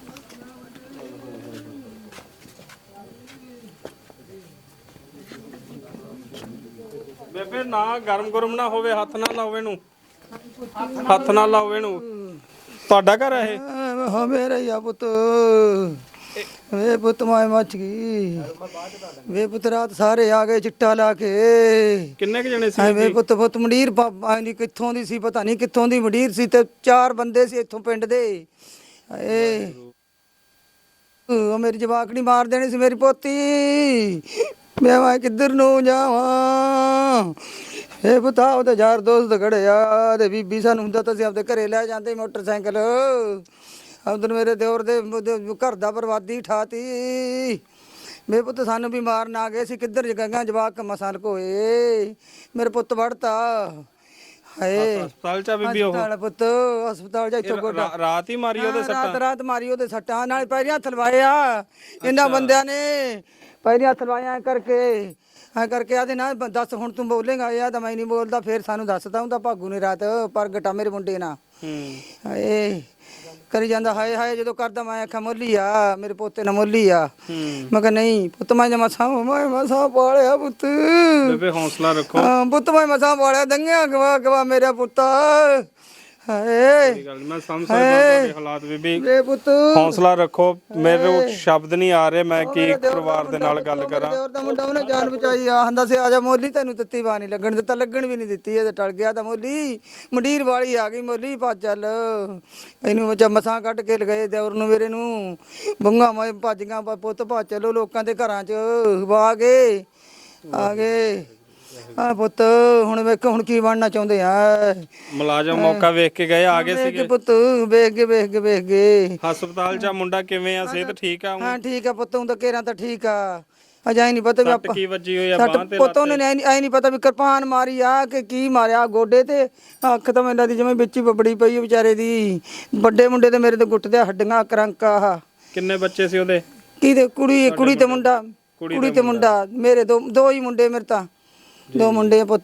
Speaker 4: ਬੇਬੇ ਨਾ ਗਰਮ ਗਰਮ ਨਾ ਹੋਵੇ, ਹੱਥ ਨਾ ਲਾਓ ਇਹਨੂੰ, ਹੱਥ ਨਾ ਲਾਓ ਇਹਨੂੰ। ਤੁਹਾਡਾ ਘਰ ਹੈ ਇਹ?
Speaker 2: ਹਾਂ ਮੇਰਾ ਹੀ ਆ ਪੁੱਤ। ਵੇ ਪੁੱਤ ਮਾਏ ਮੱਚ ਗਈ। ਵੇ ਪੁੱਤ ਰਾਤ ਸਾਰੇ ਆ ਗਏ ਚਿੱਟਾ ਲਾ ਕੇ।
Speaker 4: ਕਿੰਨੇ ਕ ਜਣੇ ਸੀ?
Speaker 2: ਐ ਵੇ ਪੁੱਤ ਪੁੱਤ ਮੰਡੀਰ ਬਾਬਾ ਨਹੀਂ ਕਿੱਥੋਂ ਦੀ ਸੀ, ਪਤਾ ਨਹੀਂ ਕਿੱਥੋਂ ਦੀ ਮੰਡੀਰ ਸੀ ਤੇ ਚਾਰ ਬੰਦੇ ਸੀ ਇੱਥੋਂ ਪਿੰਡ ਦੇ। ਏ ਉਹ ਮੇਰੀ ਜਵਾਕੜੀ ਮਾਰ ਦੇਣੀ ਸੀ ਮੇਰੀ ਪੋਤੀ। ਮੈਂ ਮੈਂ ਕਿੱਧਰ ਨੂੰ ਜਾਵਾਂ। ਇਹ ਬਤਾ ਉਹਦੇ ਯਾਰ ਦੋਸਤ ਖੜਿਆ ਤੇ ਬੀਬੀ ਸਾਨੂੰ ਹੁੰਦਾ ਤਾਂ ਅਸੀਂ ਆਪਦੇ ਘਰੇ ਲੈ ਜਾਂਦੇ ਮੋਟਰਸਾਈਕਲ। ਉਧਰ ਮੇਰੇ ਦਿਓਰ ਦੇ ਉਹਦੇ ਘਰ ਦਾ ਬਰਬਾਦੀ ਠਾਤੀ। ਮੇਰੇ ਪੁੱਤ ਸਾਨੂੰ ਵੀ ਮਾਰਨ ਆ ਗਏ ਸੀ, ਕਿੱਧਰ ਜਗਾਂਗਾ ਜਵਾਕ ਮਸਾਂ ਲਕੋਏ। ਮੇਰੇ ਪੁੱਤ ਵੜਤਾ ਹਾਏ
Speaker 4: ਹਸਪਤਾਲ ਚ ਆ ਬੀਬੀ ਉਹ
Speaker 2: ਹਸਪਤਾਲ ਪੁੱਤ ਹਸਪਤਾਲ ਜਾ ਇੱਥੋਂ ਗੋਡਾ
Speaker 4: ਰਾ- ਰਾਤ ਹੀ ਮਾਰੀ ਉਹਦੇ
Speaker 2: ਰਾਤ
Speaker 4: ਸੱਟਾਂ।
Speaker 2: ਰਾਤ ਮਾਰੀ ਉਹਦੇ ਸੱਟਾਂ ਨਾਲ ਪੈਰੀਆਂ ਥਲਵਾਇਆ ਇਹਨਾਂ ਬੰਦਿਆਂ ਨੇ। ਪੈਰੀਆਂ ਥਲਵਾਇਆ ਕਰਕੇ ਐ ਕਰਕੇ ਆਦੇ ਨਾ ਦੱਸ ਹੁਣ ਤੂੰ ਬੋਲੇਗਾ। ਇਹ ਤਾਂ ਮੈਂ ਨਹੀਂ ਬੋਲਦਾ। ਫਿਰ ਸਾਨੂੰ ਦੱਸਦਾ ਹੁੰਦਾ ਭਾਗੂ ਨੇ ਰਾਤ ਪ੍ਰਗਟਾ ਮੇਰੇ ਮੁੰਡੇ ਨਾਲ ਹਾਏ ਕਰੀ ਜਾਂਦਾ ਹਾਏ ਹਾਏ। ਜਦੋਂ ਕਰਦਾ ਮੈਂ ਆਖਿਆ ਮੋਲੀ ਆ ਮੇਰੇ ਪੋਤੇ ਨਾਲ ਮੋਲੀ ਆ। ਮੈਂ ਕਿਹਾ ਨਹੀਂ ਪੁੱਤ ਮੈਂ ਮਸਾਂ ਮੈਂ ਮਸਾਂ ਪਾਲਿਆ ਪੁੱਤ।
Speaker 4: ਬੇਬੇ ਹੌਸਲਾ ਰੱਖੋ।
Speaker 2: ਹਾਂ ਪੁੱਤ ਮੈਂ ਮਸਾਂ ਪਾਲਿਆ ਦੰਗਿਆ ਗਵਾ ਗਵਾ ਮੇਰਾ ਪੁੱਤ ਹਾਏ
Speaker 4: ਕੋਈ ਗੱਲ ਨੀ, ਮੈਂ ਸਮਝ ਸਕਦਾ ਤੁਹਾਡੇ ਹਾਲਾਤ ਬੀਬੀ।
Speaker 2: ਮੇਰੇ ਪੁੱਤ
Speaker 4: ਹੌਸਲਾ ਰੱਖੋ। ਮੇਰੇ ਕੋਲ ਸ਼ਬਦ ਨਹੀਂ ਆ ਰਹੇ ਮੈਂ ਕੀ ਪਰਿਵਾਰ ਦੇ ਨਾਲ ਗੱਲ ਕਰਾਂ।
Speaker 2: ਦਿਓਰ ਦਾ ਮੁੰਡਾ ਉਹਨੇ ਜਾਨ ਬਚਾਈ ਆ। ਹੰਦਾ ਸੀ ਆ ਜਾ ਮੋਲੀ ਤੈਨੂੰ ਤੱਤੀ ਬਾਹ ਨਹੀਂ ਲੱਗਣ ਦਿੱਤਾ। ਲੱਗਣ ਵੀ ਨਹੀਂ ਦਿੱਤੀ। ਇਹ ਤੇ ਟਲ ਗਿਆ ਤਾਂ ਮੋਲੀ ਮੰਡੀਰ ਵਾਲੀ ਆ ਗਈ। ਮੋਲੀ ਭੱਜ ਚੱਲ ਇਹਨੂੰ ਬੱਚਾ ਮਸਾਂ ਕੱਢ ਕੇ ਲਗਾਏ ਦਿਓਰ ਨੂੰ ਮੇਰੇ ਨੂੰ। ਬੰਗਾ ਮੈਂ ਭੱਜ ਗਿਆ ਪੁੱਤ ਭੱਜ ਚਲੋ ਲੋਕਾਂ ਦੇ ਘਰਾਂ 'ਚ ਵਾ ਗਏ ਆ ਗਏ। ਆ ਪੁੱਤ ਹੁਣ ਵੇਖ ਹੁਣ ਕੀ ਬਣਨਾ ਚਾਹੁੰਦੇ ਆ।
Speaker 4: ਮੁਲਾਜ਼ਮ ਮੌਕਾ ਵੇਖ ਕੇ ਗਏ ਆ ਗਏ
Speaker 2: ਵੇਖ
Speaker 4: ਸੀਗੇ।
Speaker 2: ਕੇ ਪੁੱਤ ਵੇਖ ਕੇ ਵੇਖ ਕੇ ਵੇਖ ਕੇ
Speaker 4: ਹਸਪਤਾਲ ਚ ਆ ਮੁੰਡਾ ਕਿਵੇਂ ਆ? ਸਿਹਤ ਠੀਕ ਆ?
Speaker 2: ਹਾਂ ਠੀਕ ਆ ਪੁੱਤ। ਹੁਣ ਤਾਂ ਘੇਰਾਂ ਤਾਂ ਠੀਕ ਆ। ਅਜਾਈ ਨਹੀਂ ਪਤਾ ਵੀ
Speaker 4: ਸੱਟ
Speaker 2: ਆਪਾਂ
Speaker 4: ਕੀ ਵੱਜੀ ਹੋਈ ਆ
Speaker 2: ਸੱਟ
Speaker 4: ਬਾਂਹ ਤੇ
Speaker 2: ਪੁੱਤ ਉਹਨੇ ਐ ਨਹੀਂ ਪਤਾ ਵੀ ਕਿਰਪਾਨ ਮਾਰੀ ਆ ਕਿ ਕੀ ਮਾਰਿਆ ਗੋਡੇ ਤੇ। ਅੱਖ ਤਾਂ ਮੈਨੂੰ ਦੀ ਜਿਵੇਂ ਵਿੱਚ ਹੀ ਬੱਬੜੀ ਪਈ ਆ ਵਿਚਾਰੇ ਦੀ। ਵੱਡੇ ਮੁੰਡੇ ਤੇ ਮੇਰੇ ਤੇ ਗੁੱਟ ਦੇ ਹੱਡੀਆਂ ਕਰੰਕਾ ਆ।
Speaker 4: ਕਿੰਨੇ ਬੱਚੇ ਸੀ ਉਹਦੇ?
Speaker 2: ਕਿਹਦੇ ਕੁੜੀ ਕੁੜੀ ਤੇ ਮੁੰਡਾ ਕੁੜੀ ਤੇ ਮੁੰਡਾ ਮੇਰੇ ਦੋ ਦੋ ਹੀ ਮੁੰਡੇ ਮੇਰੇ ਤਾਂ ਦੋ ਮੁੰਡੇ ਪੁੱਤ।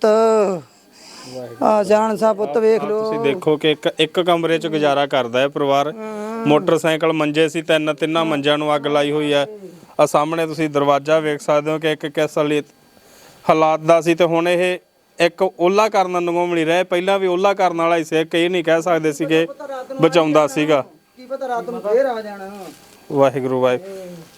Speaker 2: ਆ ਜਾਣ ਸਾ ਪੁੱਤ ਵੇਖ ਲੋ।
Speaker 4: ਤੁਸੀਂ ਦੇਖੋ ਕਿ ਇੱਕ ਇੱਕ ਕਮਰੇ 'ਚ ਗੁਜ਼ਾਰਾ ਕਰਦਾ ਹੈ ਪਰਿਵਾਰ। ਮੋਟਰਸਾਈਕਲ ਮੰਜੇ ਸੀ, ਤਿੰਨ ਤਿੰਨਾਂ ਮੰਜਿਆਂ ਨੂੰ ਅੱਗ ਲਾਈ ਹੋਈ ਹੈ। ਆ ਸਾਹਮਣੇ ਤੁਸੀਂ ਦਰਵਾਜ਼ਾ ਵੇਖ ਸਕਦੇ ਹੋ ਕਿ ਇੱਕ ਕਿਸ ਹਾਲਾਤ ਦਾ ਸੀ। ਤੇ ਹੁਣ ਇਹ ਇੱਕ ਓਲਾ ਕਰਨ ਨੂੰ ਮਿਲ ਰਿਹਾ। ਪਹਿਲਾਂ ਵੀ ਓਲਾ ਕਰਨ ਵਾਲਾ ਹੀ ਸੀ। ਕਈ ਨਹੀਂ ਕਹਿ ਸਕਦੇ ਸੀਗੇ ਬਚਾਉਂਦਾ ਸੀਗਾ।
Speaker 2: ਕੀ ਪਤਾ ਰਾਤ ਨੂੰ ਫੇਰ ਆ ਜਾਣਾ।
Speaker 4: ਵਾਹਿਗੁਰੂ ਵਾਹਿਗੁਰੂ।